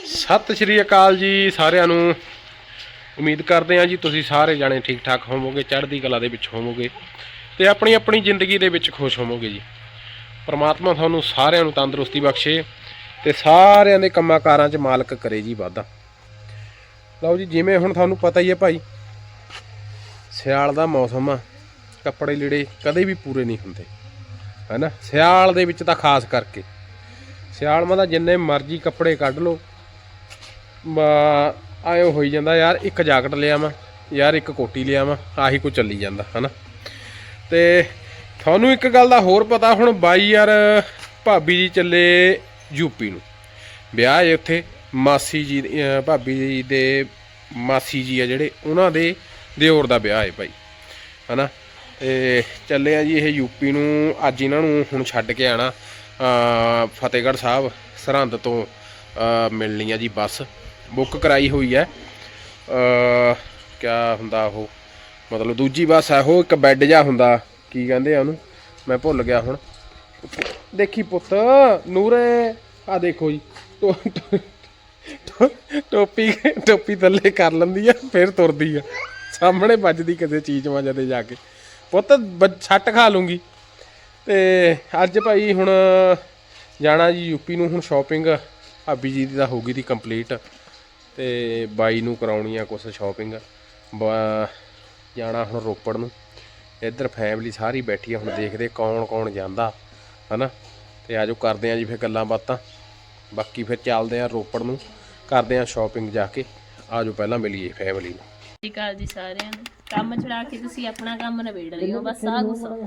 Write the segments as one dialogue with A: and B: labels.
A: ਸਤਿ ਸ਼੍ਰੀ ਅਕਾਲ ਜੀ ਸਾਰਿਆਂ ਨੂੰ। ਉਮੀਦ ਕਰਦੇ ਹਾਂ ਜੀ ਤੁਸੀਂ ਸਾਰੇ ਜਾਣੇ ਠੀਕ ਠਾਕ ਹੋਵੋਗੇ, ਚੜ੍ਹਦੀ ਕਲਾ ਦੇ ਵਿੱਚ ਹੋਵੋਗੇ ਤੇ ਆਪਣੀ ਆਪਣੀ ਜ਼ਿੰਦਗੀ ਦੇ ਵਿੱਚ ਖੁਸ਼ ਹੋਵੋਗੇ ਜੀ। ਪਰਮਾਤਮਾ ਤੁਹਾਨੂੰ ਸਾਰਿਆਂ ਨੂੰ ਤੰਦਰੁਸਤੀ ਬਖਸ਼ੇ ਤੇ ਸਾਰਿਆਂ ਦੇ ਕੰਮਾਂ ਕਾਰਾਂ 'ਚ ਮਾਲਕ ਕਰੇ ਜੀ ਵਾਧਾ। ਲਓ ਜੀ, ਜਿਵੇਂ ਹੁਣ ਤੁਹਾਨੂੰ ਪਤਾ ਹੀ ਹੈ ਭਾਈ, ਸਿਆਲ ਦਾ ਮੌਸਮ ਆ, ਕੱਪੜੇ ਲੀੜੇ ਕਦੇ ਵੀ ਪੂਰੇ ਨਹੀਂ ਹੁੰਦੇ, ਹੈ ਨਾ। ਸਿਆਲ ਦੇ ਵਿੱਚ ਤਾਂ ਖਾਸ ਕਰਕੇ ਸਿਆਲ ਮਾ ਤਾਂ ਜਿੰਨੇ ਮਰਜ਼ੀ ਕੱਪੜੇ ਕੱਢ ਲਓ, ਆਇਓ ਹੋਈ ਜਾਂਦਾ ਯਾਰ ਇੱਕ ਜੈਕਟ ਲਿਆਵਾਂ, ਯਾਰ ਇੱਕ ਕੋਟੀ ਲਿਆਵਾਂ, ਆਹੀ ਕੁਝ ਚੱਲੀ ਜਾਂਦਾ, ਹੈ ਨਾ। ਤੇ ਤੁਹਾਨੂੰ ਇੱਕ ਗੱਲ ਦਾ ਹੋਰ ਪਤਾ, ਹੁਣ ਬਾਈ ਯਾਰ ਭਾਬੀ ਜੀ ਚੱਲੇ ਯੂਪੀ ਨੂੰ, ਵਿਆਹ ਹੈ ਉੱਥੇ। ਮਾਸੀ ਜੀ ਭਾਬੀ ਜੀ ਦੇ ਮਾਸੀ ਜੀ ਆ ਜਿਹੜੇ, ਉਹਨਾਂ ਦੇ ਦਿਓਰ ਦਾ ਵਿਆਹ ਹੈ ਭਾਈ, ਹੈ ਨਾ। ਤੇ ਚੱਲੇ ਆ ਜੀ ਇਹ ਯੂਪੀ ਨੂੰ। ਅੱਜ ਇਹਨਾਂ ਨੂੰ ਹੁਣ ਛੱਡ ਕੇ ਆਉਣਾ ਫਤਿਹਗੜ੍ਹ ਸਾਹਿਬ ਸਰਹੰਦ ਤੋਂ ਮਿਲਣੀ ਆ ਜੀ ਬੱਸ, ਬੁੱਕ ਕਰਾਈ ਹੋਈ ਹੈ। ਕਿਆ ਹੁੰਦਾ ਉਹ, ਮਤਲਬ ਦੂਜੀ ਬੱਸ ਹੈ ਉਹ, ਇੱਕ ਬੈੱਡ ਜਿਹਾ ਹੁੰਦਾ, ਕੀ ਕਹਿੰਦੇ ਆ ਉਹਨੂੰ, ਮੈਂ ਭੁੱਲ ਗਿਆ ਹੁਣ। ਦੇਖੀ ਪੁੱਤ ਨੂਰੇ, ਆ ਦੇਖੋ ਜੀ, ਟੋਪੀ ਥੱਲੇ ਕਰ ਲੈਂਦੀ ਆ, ਫਿਰ ਤੁਰਦੀ ਆ, ਸਾਹਮਣੇ ਵੱਜਦੀ ਕਿਸੇ ਚੀਜ਼ ਮਾ ਜਦੇ ਜਾ ਕੇ, ਪੁੱਤ ਛੱਟ ਖਾ ਲੂੰਗੀ। ਤੇ ਅੱਜ ਭਾਈ ਹੁਣ ਜਾਣਾ ਜੀ ਯੂਪੀ ਨੂੰ। ਹੁਣ ਸ਼ਾਪਿੰਗ ਭਾਬੀ ਜੀ ਦੀ ਤਾਂ ਹੋ ਗਈ ਦੀ ਕੰਪਲੀਟ, ਤੇ ਬਾਈ ਨੂੰ ਕਰਾਉਣੀ ਆ ਕੁਛ ਸ਼ਾਪਿੰਗ। ਜਾਣਾ ਹੁਣ ਰੋਪੜ ਨੂੰ, ਇੱਧਰ ਫੈਮਿਲੀ ਸਾਰੀ ਬੈਠੀ ਆ, ਹੁਣ ਦੇਖਦੇ ਕੌਣ ਕੌਣ ਜਾਂਦਾ, ਹੈ ਨਾ। ਤੇ ਆਜੋ ਕਰਦੇ ਆ ਜੀ ਫਿਰ ਗੱਲਾਂ ਬਾਤਾਂ, ਬਾਕੀ ਫਿਰ ਚੱਲਦੇ ਆ ਰੋਪੜ ਨੂੰ, ਕਰਦੇ ਆ ਸ਼ਾਪਿੰਗ ਜਾ ਕੇ। ਆਜੋ ਪਹਿਲਾਂ ਮਿਲੀਏ ਫੈਮਿਲੀ ਨੂੰ।
B: ਸਤਿ ਸ਼੍ਰੀ ਅਕਾਲ ਜੀ ਸਾਰਿਆਂ ਨੂੰ। ਕੰਮ ਛੁਡਾ ਕੇ ਤੁਸੀਂ ਆਪਣਾ ਕੰਮ ਨਿਬੇੜ ਰਹੇ ਹੋ, ਬਸ ਆ ਗੁੱਸਾ।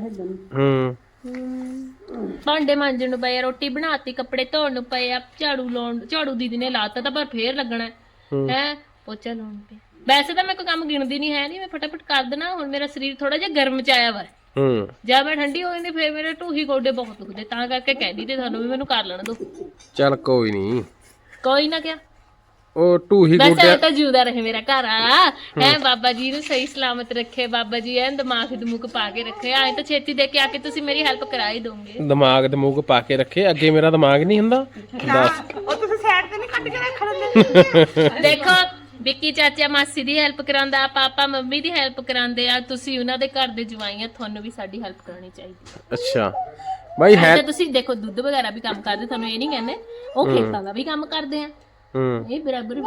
B: ਭਾਂਡੇ ਮਾਂਜਣ ਨੂੰ ਪਏ, ਰੋਟੀ ਬਣਾਤੀ, ਕੱਪੜੇ ਧੋਣ ਨੂੰ ਪਏ ਆ, ਝਾੜੂ ਦੀਦੀ ਨੇ ਲਾਤਾ ਤਾਂ ਪਰ ਫੇਰ ਲੱਗਣਾ ਹੈ, ਪੋਚਾ ਲਾਉਣ ਪਿਆ। ਵੈਸੇ ਤਾਂ ਮੈਂ ਕੋਈ ਕੰਮ ਗਿਣਦੀ ਨਹੀਂ ਹੈ, ਨਹੀਂ ਮੈਂ ਫਟਾਫਟ ਕਰ ਦੇਣਾ। ਹੁਣ ਮੇਰਾ ਸਰੀਰ ਥੋੜਾ ਜਿਹਾ ਗਰਮ ਚ ਆਇਆ ਵਾ, ਜਦ ਮੈਂ ਠੰਡੀ ਹੋ ਜਾਂਦੀ ਫੇਰ ਮੇਰੇ ਢੂਹੀ ਗੋਡੇ ਬਹੁਤ ਦੁਖਦੇ, ਤਾਂ ਕਰਕੇ ਕਹਿੰਦੀ ਤੇ ਤੁਹਾਨੂੰ ਵੀ ਮੈਨੂੰ ਕਰ ਲੈਣ ਦੋ।
A: ਚੱਲ ਕੋਈ ਨਹੀਂ,
B: ਕੋਈ ਨਾ, ਕਿਆ
A: ਉਹ ਢੂਹੀ
B: ਵੈਸੇ ਤਾਂ ਜਿਉਂਦਾ ਰਹੇ ਮੇਰਾ ਘਰ ਆ ਹੈ, ਬਾਬਾ ਜੀ ਨੂੰ ਸਹੀ ਸਲਾਮਤ ਰੱਖੇ, ਬਾਬਾ ਜੀ ਐਨ ਦਿਮਾਗ ਦਮੂਕ ਪਾ ਕੇ ਰੱਖੇ। ਆਏ ਤਾਂ ਛੇਤੀ ਦੇ ਕੇ ਆ ਕੇ ਤੁਸੀਂ ਮੇਰੀ ਹੈਲਪ ਕਰਾ ਹੀ ਦੋਗੇ।
A: ਦਿਮਾਗ ਦਮੂਕ ਪਾ ਕੇ ਰੱਖੇ, ਅੱਗੇ ਮੇਰਾ ਦਿਮਾਗ ਨਹੀਂ ਹੁੰਦਾ।
C: ਉਹ ਤੁਸੀਂ ਸਾਈਡ ਤੇ ਨਹੀਂ ਕੱਢ ਕੇ ਰੱਖ ਲੈਂਦੇ।
B: ਦੇਖੋ ਵਿੱਕੀ ਚਾਚਾ ਮਾਸੀ ਦੀ ਹੈਲਪ ਕਰਾਉਂਦਾ, ਪਾਪਾ ਮੰਮੀ ਦੀ ਹੈਲਪ ਕਰਾਉਂਦੇ ਆ, ਤੁਸੀਂ ਉਹਨਾਂ ਦੇ ਘਰ ਦੇ ਜਵਾਈਆਂ, ਤੁਹਾਨੂੰ ਵੀ ਸਾਡੀ ਹੈਲਪ ਕਰਾਉਣੀ ਚਾਹੀਦੀ।
A: ਅੱਛਾ ਬਾਈ ਹੈ,
B: ਤੁਸੀਂ ਦੇਖੋ ਦੁੱਧ ਵਗੈਰਾ ਵੀ ਕੰਮ ਕਰਦੇ, ਤੁਹਾਨੂੰ ਇਹ ਨਹੀਂ ਕਹਿੰਦੇ, ਉਹ ਖੇਤਾਂ ਦਾ ਵੀ ਕੰਮ ਕਰਦੇ ਆ, ਇਹ ਬਰਾਬਰ।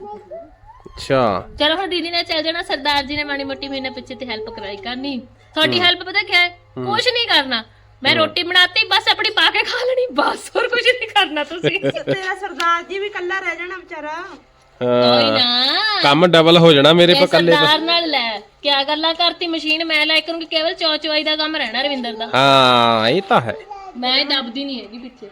A: ਅੱਛਾ
B: ਚਲੋ ਹੁਣ ਦੀਦੀ ਨੇ ਚੱਲ ਜਾਣਾ, ਸਰਦਾਰ ਜੀ ਨੇ ਮਾੜੀ ਮੋਟੀ ਮਹੀਨੇ ਪਿੱਛੇ ਤੇ ਹੈਲਪ ਕਰਾਈ ਕਰਨੀ। ਤੁਹਾਡੀ ਹੈਲਪ ਪਤਾ ਕਿਆ ਹੈ, ਕੁਛ ਨਹੀਂ ਕਰਨਾ। ਮੈਂ ਰੋਟੀ ਬਣਾਤੀ, ਬਸ ਆਪਣੀ ਪਾ ਕੇ ਖਾ ਲੈਣੀ, ਬਸ ਹੋਰ ਕੁਝ ਨਹੀਂ ਕਰਨਾ ਤੁਸੀਂ।
C: ਤੇਰਾ ਸਰਦਾਰ ਜੀ ਵੀ ਇਕੱਲਾ ਰਹਿ ਜਾਣਾ ਵਿਚਾਰਾ।
B: ਕੋਈ ਨਾ,
A: ਕੰਮ ਡਬਲ ਹੋ ਜਾਣਾ ਮੇਰੇ ਪਾ ਕੱਲੇ।
B: ਸਰਦਾਰ ਨਾਲ ਲੈ ਕਿਆ ਗੱਲਾਂ ਕਰਤੀ, ਮਸ਼ੀਨ ਮੈਂ ਲਾਇ ਕਰੂੰਗੀ, ਕੇਵਲ ਚੌਚਵਾਈ ਦਾ ਕੰਮ ਰਹਿਣਾ ਰਵਿੰਦਰ ਦਾ।
A: ਹਾਂ ਇਹ ਤਾਂ ਹੈ,
B: ਮੈਂ ਦੱਬਦੀ ਨਹੀਂ ਹੈਗੀ ਪਿੱਛੇ।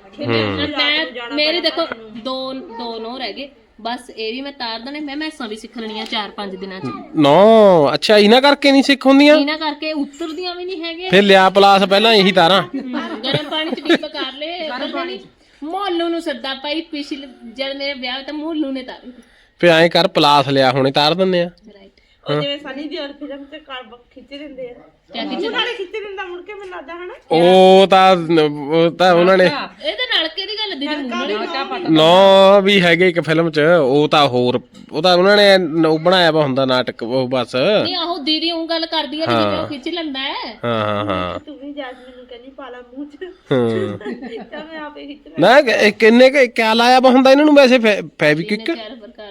B: ਮੈਂ ਮੇਰੇ ਦੇਖੋ ਦੋ ਨੋ ਰਹਿ ਗਏ, ਬਸ ਇਹ ਵੀ ਮੈਂ ਤਾਰ ਦੇਣੇ। ਮੈਂ ਮੈਸਾਂ ਵੀ ਸਿੱਖ ਲੈਣੀਆਂ 4-5 ਦਿਨਾਂ ਚ।
A: ਨੋ ਅੱਛਾ, ਇਹਨਾਂ ਕਰਕੇ ਨਹੀਂ ਸਿੱਖ ਹੁੰਦੀਆਂ,
B: ਇਹਨਾਂ ਕਰਕੇ ਉਤਰਦੀਆਂ ਵੀ ਨਹੀਂ ਹੈਗੇ।
A: ਫਿਰ ਲਿਆ ਪਲਾਸ ਪਹਿਲਾਂ ਇਹੀ ਤਾਰਾਂ
B: ਗਰਮ ਪਾਣੀ ਚ ਡੀਪ ਕਰ ਲੈ। ਮੋਲੂ ਨੂੰ ਸੱਦਾ ਪਾਈ, ਪਿਛਲੇ ਜਦ ਮੇਰੇ ਵਿਆਹ ਤਾਂ ਮੋਲੂ ਨੇ ਤਾਰੀ।
A: ਫਿਰ ਐਂ ਕਰ, ਪਲਾਸ ਲਿਆ ਹੁਣੇ ਤਾਰ ਦਿੰਦੇ ਆ।
C: ਉਹ ਜਿਵੇਂ ਸਨੀ ਦਿਓਲ ਫਿਲਮ ਤੇ ਖਿੱਚ ਦਿੰਦੇ ਆ, ਉਹਨਾਂ ਨੇ ਖਿੱਚ ਦਿੰਦਾ ਮੁੜ ਕੇ, ਮੈਨੂੰ ਲੱਗਦਾ ਹਨਾ।
A: ਉਹ ਤਾਂ ਉਹਨਾਂ ਨੇ,
B: ਇਹ ਤਾਂ ਨਲਕੇ ਦੀ ਗੱਲ ਦੀਦੀ ਮੂੰਹ
A: ਨੋ ਵੀ ਹੈਗੇ ਇੱਕ ਫਿਲਮ ਚ, ਉਹ ਤਾਂ ਹੋਰ, ਉਹ ਤਾਂ ਉਹਨਾਂ ਨੇ ਉਹ ਬਣਾਇਆ ਵਾ ਹੁੰਦਾ ਨਾਟਕ, ਉਹ ਬਸ
B: ਨਹੀਂ। ਆਹੋ ਦੀਦੀ ਉਹ ਗੱਲ ਕਰਦੀ ਆ ਜਿਵੇਂ ਉਹ ਖਿੱਚ ਲੈਂਦਾ ਹੈ।
A: ਹਾਂ
C: ਤੂੰ ਵੀ ਜੈਸਮੀਨ ਨੂੰ ਕਹਿੰਦੀ ਪਾਲਾ ਮੂੰਹ ਚ, ਤਾਂ ਮੈਂ ਆਪੇ ਖਿੱਚ
A: ਨਾ। ਕਿੰਨੇ ਕਿਆ ਲਾਇਆ ਵਾ ਹੁੰਦਾ ਇਹਨਾਂ ਨੂੰ ਵੈਸੇ, ਫੈਬਿਕਿਕ?
B: 4 ਪ੍ਰਕਾਰ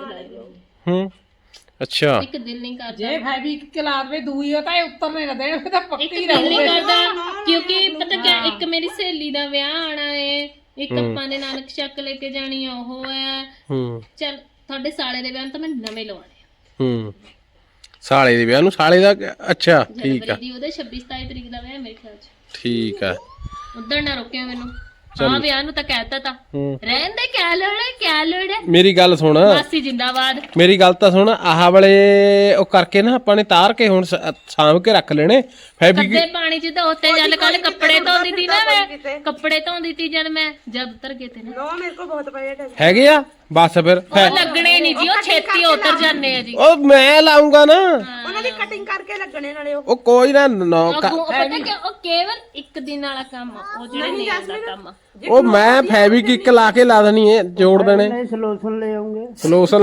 B: ਦੇ।
A: ਅੱਛਾ,
B: ਇੱਕ ਦਿਲ ਨਹੀਂ ਕਰਦਾ
D: ਜੇ ਫੈਬਿਕ ਲਾ ਦੇਵੇ ਦੂਈ, ਉਹ ਤਾਂ ਇਹ ਉੱਤਰ ਨਹੀਂ ਦੇਣ, ਉਹ ਤਾਂ
B: ਇੱਕ
D: ਪੱਕੀ
B: ਦਿਲ ਨਹੀਂ ਕਰਦਾ, ਕਿਉਂਕਿ ਪਤਾ ਕਿਆ, ਇੱਕ ਮੇਰੀ ਸਹੇਲੀ ਦਾ ਵਿਆਹ ਆਣਾ ਏ, ਇੱਕ ਆਪਾਂ ਨੇ ਨਾਨਕ ਸ਼ੱਕ ਲੈ ਕੇ ਜਾਣੀ ਆ, ਉਹ ਹੈ। ਚੱਲ ਤੁਹਾਡੇ ਸਾਲੇ ਦੇ ਵਿਆਹ ਤਾਂ ਮੈਂ ਨਵੇਂ ਲਵਾਣੇ ਆ।
A: ਸਾਲੇ ਦੇ ਵਿਆਹ ਨੂੰ, ਸਾਲੇ ਦਾ? ਅੱਛਾ ਠੀਕ ਆ,
B: ਉਹਦੇ 26-27 ਤਰੀਕ ਦਾ ਵਿਆਹ ਮੇਰੇ ਖਿਆਲ ਚ।
A: ਠੀਕ ਆ,
B: ਉਧਰ ਨਾ ਰੋਕਿਆ ਮੈਨੂੰ। ਹਾਂ ਵਿਆਹ ਨੂੰ ਤਾਂ ਕਹਿਤਾ ਤਾਂ, ਰਹਿਣ ਦੇ, ਕਿਆ ਲੋੜ ਹੈ।
A: ਮੇਰੀ ਗੱਲ ਸੁਣ,
B: ਮਾਸੀ ਜਿੰਦਾਬਾਦ।
A: ਮੇਰੀ ਗੱਲ ਤਾਂ ਸੁਣ, ਆਹ ਵਾਲੇ ਉਹ ਕਰਕੇ ਨਾ ਆਪਾਂ ਨੇ ਤਾਰ ਕੇ ਹੁਣ ਸਾਂਭ ਕੇ ਰੱਖ ਲੈਣੇ।
B: ਕੱਦੇ ਪਾਣੀ ਚ ਧੋਤੇ, ਜਦ ਕੱਲ ਕੱਪੜੇ ਧੋਂਦੀ ਤੀ ਨਾ, ਮੈਂ ਕੱਪੜੇ ਧੋਂਦੀ ਤੀ ਜਦ ਉਤਰ ਗਏ ਤੇ ਨਾ।
C: ਮੇਰੇ ਕੋਲ ਬਹੁਤ ਪਏ
A: ਹੈਗੇ ਆ, ਬਸ ਫਿਰ
B: ਉਹ ਲੱਗਣੇ ਨਹੀਂ ਜੀ, ਉਹ ਛੇਤੀ ਉਤਰ ਜਾਂਦੇ ਆ ਜੀ।
A: ਉਹ ਮੈਂ ਲਾਉਂਗਾ ਨਾ,
C: ਦੀ ਕਟਿੰਗ ਕਰਕੇ ਲੱਗਣੇ ਨਾਲੇ ਉਹ
A: ਉਹ ਕੋਈ ਨਾ ਨੌ
B: ਪਤਾ ਕਿ ਉਹ ਕੇਵਲ ਇੱਕ ਦਿਨ ਵਾਲਾ ਕੰਮ ਆ, ਉਹ ਜਿਹੜੇ ਨੇਲ ਦਾ ਕੰਮ ਆ।
A: ਉਹ ਮੈਂ ਫੈਬਿਕ ਲਾ ਕੇ ਲਾ ਦੇਣੀ ਹੈ, ਜੋੜ ਦੇਣੇ।
E: ਸਲੋਸ਼ਨ ਲੈ ਆਉਂਗੇ।
A: ਸਲੋਸ਼ਨ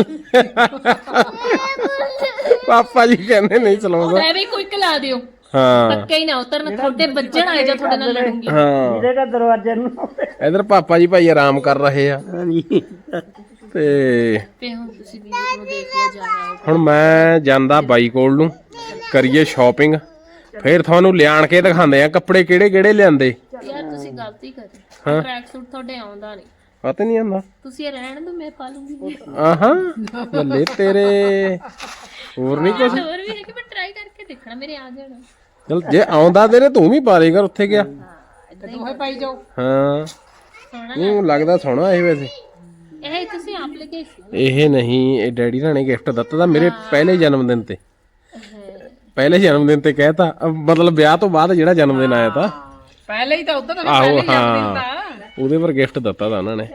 A: ਪਾਪਾ ਜੀ ਕਹਿੰਦੇ ਨਹੀਂ ਸਲੋਸ਼ਨ।
B: ਮੈਂ ਵੀ ਕੁਇਕ ਲਾ ਦਿਓ,
A: ਹਾਂ
B: ਪੱਕੇ ਹੀ ਨਾ ਉਤਰਨ, ਤੁਹਾਡੇ ਵੱਜਣ ਆਏ ਜਾਂ ਤੁਹਾਡੇ ਨਾਲ ਲੜੂੰਗੀ।
A: ਹਾਂ
E: ਇਹਦੇ ਦਾ ਦਰਵਾਜ਼ੇ ਨੂੰ
A: ਇਧਰ ਪਾਪਾ ਜੀ ਭਾਈ ਆਰਾਮ ਕਰ ਰਹੇ ਆ
E: ਹਾਂਜੀ।
A: ਤੇ
B: ਹੁਣ ਤੁਸੀਂ ਵੀਡੀਓ ਨੂੰ ਦੇਖ ਲਓ ਜਾਇਆ।
A: ਹੁਣ ਮੈਂ ਜਾਂਦਾ ਬਾਈ ਕੋਲ ਨੂੰ, ਕਰੀਏ ਸ਼ਾਪਿੰਗ, ਫਿਰ ਤੁਹਾਨੂੰ ਲਿਆਣ ਕੇ ਦਿਖਾਉਂਦੇ ਆ ਕੱਪੜੇ ਕਿਹੜੇ ਕਿਹੜੇ ਲਿਆਂਦੇ।
B: ਯਾਰ ਤੁਸੀਂ ਗਲਤੀ ਕਰੀ,
A: ਹਾਂ।
B: ਟਰੈਕ ਸੂਟ ਤੁਹਾਡੇ ਆਉਂਦਾ ਨਹੀਂ,
A: ਪਤਾ ਨਹੀਂ ਆਂਦਾ।
B: ਤੁਸੀਂ ਇਹ ਰਹਿਣ ਦਿਓ, ਮੈਂ ਪਾ ਲੂੰਗੀ।
A: ਆਹਾਂ ਬੱਲੇ ਤੇਰੇ, ਹੋਰ ਨਹੀਂ ਕੁਝ।
B: ਹੋਰ ਵੀ ਹੈ ਕਿ ਮੈਂ ਟਰਾਈ ਕਰਕੇ ਦੇਖਣਾ, ਮੇਰੇ ਆ ਜਾਣਾ।
A: ਚਲ ਜੇ ਆਉਂਦਾ ਤੇਰੇ ਤੂੰ ਵੀ ਪਾ ਲੇਗਾ, ਉੱਥੇ ਗਿਆ।
D: ਦੋਹੇ ਪਾਈ ਜਾਓ।
A: ਹਾਂ
B: ਸੋਹਣਾ
A: ਨਹੀਂ ਲੱਗਦਾ ਸੋਹਣਾ ਇਹ ਵੈਸੇ।
B: ਇਹ ਤੁਸੀਂ ਆਪ ਲੈ ਕੇ ਆਏ ਸੀ।
A: ਇਹ ਨਹੀਂ, ਇਹ ਡੈਡੀ ਨਾਲ ਨੇ ਗਿਫਟ ਦਿੱਤਾ ਤਾਂ ਮੇਰੇ ਪਹਿਲੇ ਜਨਮ ਦਿਨ ਤੇ। ਪਹਿਲੇ ਜਨਮ ਦਿਨ ਤੇ ਕਹਿਤਾ, ਮਤਲਬ ਵਿਆਹ ਤੋਂ ਬਾਅਦ ਜਿਹੜਾ ਜਨਮ ਦਿਨ ਆਇਆ ਤਾਂ
D: ਪਹਿਲੇ ਹੀ ਤਾਂ ਉਧਰ ਤਾਂ
A: ਆਹੋ
D: ਪਹਿਲੇ ਹੀ ਜਾਂਦੇ
A: ਹਾਂ,
D: ਹੁੰਦਾ।
A: ਉਹਦੇ ਪਰ ਗਿਫਟ ਦਿੱਤਾ ਤਾਂ ਉਹਨਾਂ ਨੇ।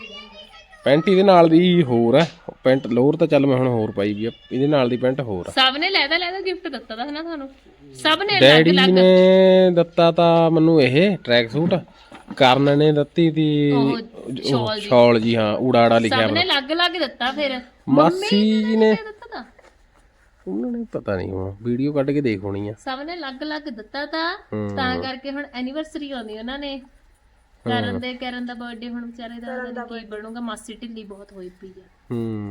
A: ਪੈਂਟ ਇਹਦੇ ਨਾਲ ਦੀ ਹੋਰ ਹੈ, ਪੈਂਟ ਲੋਅਰ ਤਾਂ ਚੱਲ ਮੈਂ ਹੁਣ ਹੋਰ ਪਾਈ ਵੀ ਆ, ਇਹਦੇ ਨਾਲ ਦੀ ਪੈਂਟ ਹੋਰ ਆ।
B: ਸਭ ਨੇ ਲੈਦਾ ਗਿਫਟ ਦਿੱਤਾ ਤਾਂ ਹਨਾ ਤੁਹਾਨੂੰ, ਸਭ ਨੇ
A: ਡੈਡੀ
B: ਅਲੱਗ
A: ਨੇ ਦਿੱਤਾ ਤਾਂ ਮੈਨੂੰ ਇਹ ਟਰੈਕ ਸੂਟ, ਕਰਨ ਨੇ ਦਿੱਤੀ ਤੀ
B: ਸ਼ਾਲ ਜੀ।
A: ਸ਼ਾਲ ਜੀ, ਹਾਂ ਊੜਾੜਾ ਲਿਖਿਆ
B: ਸਭ ਨੇ ਅਲੱਗ ਦਿੱਤਾ। ਫਿਰ
A: ਮਾਸੀ ਜੀ ਨੇ
B: ਦਿੱਤਾ ਤਾਂ
A: ਉਹਨਾਂ ਨੇ ਪਤਾ ਨਹੀਂ, ਹੁਣ ਵੀਡੀਓ ਕੱਢ ਕੇ ਦੇਖ ਹੋਣੀ ਆ।
B: ਸਭ ਨੇ ਅਲੱਗ ਦਿੱਤਾ ਤਾਂ ਕਰਕੇ ਹੁਣ ਐਨੀਵਰਸਰੀ ਆਉਂਦੀ ਉਹਨਾਂ ਨੇ ਕਰਨ ਦਾ ਬਰਥਡੇ, ਹੁਣ ਵਿਚਾਰੇ ਦਾ ਕੀ ਬਣੂਗਾ। ਮਾਸੀ ਢਿੱਲੀ ਬਹੁਤ ਹੋਈ ਪਈ ਆ।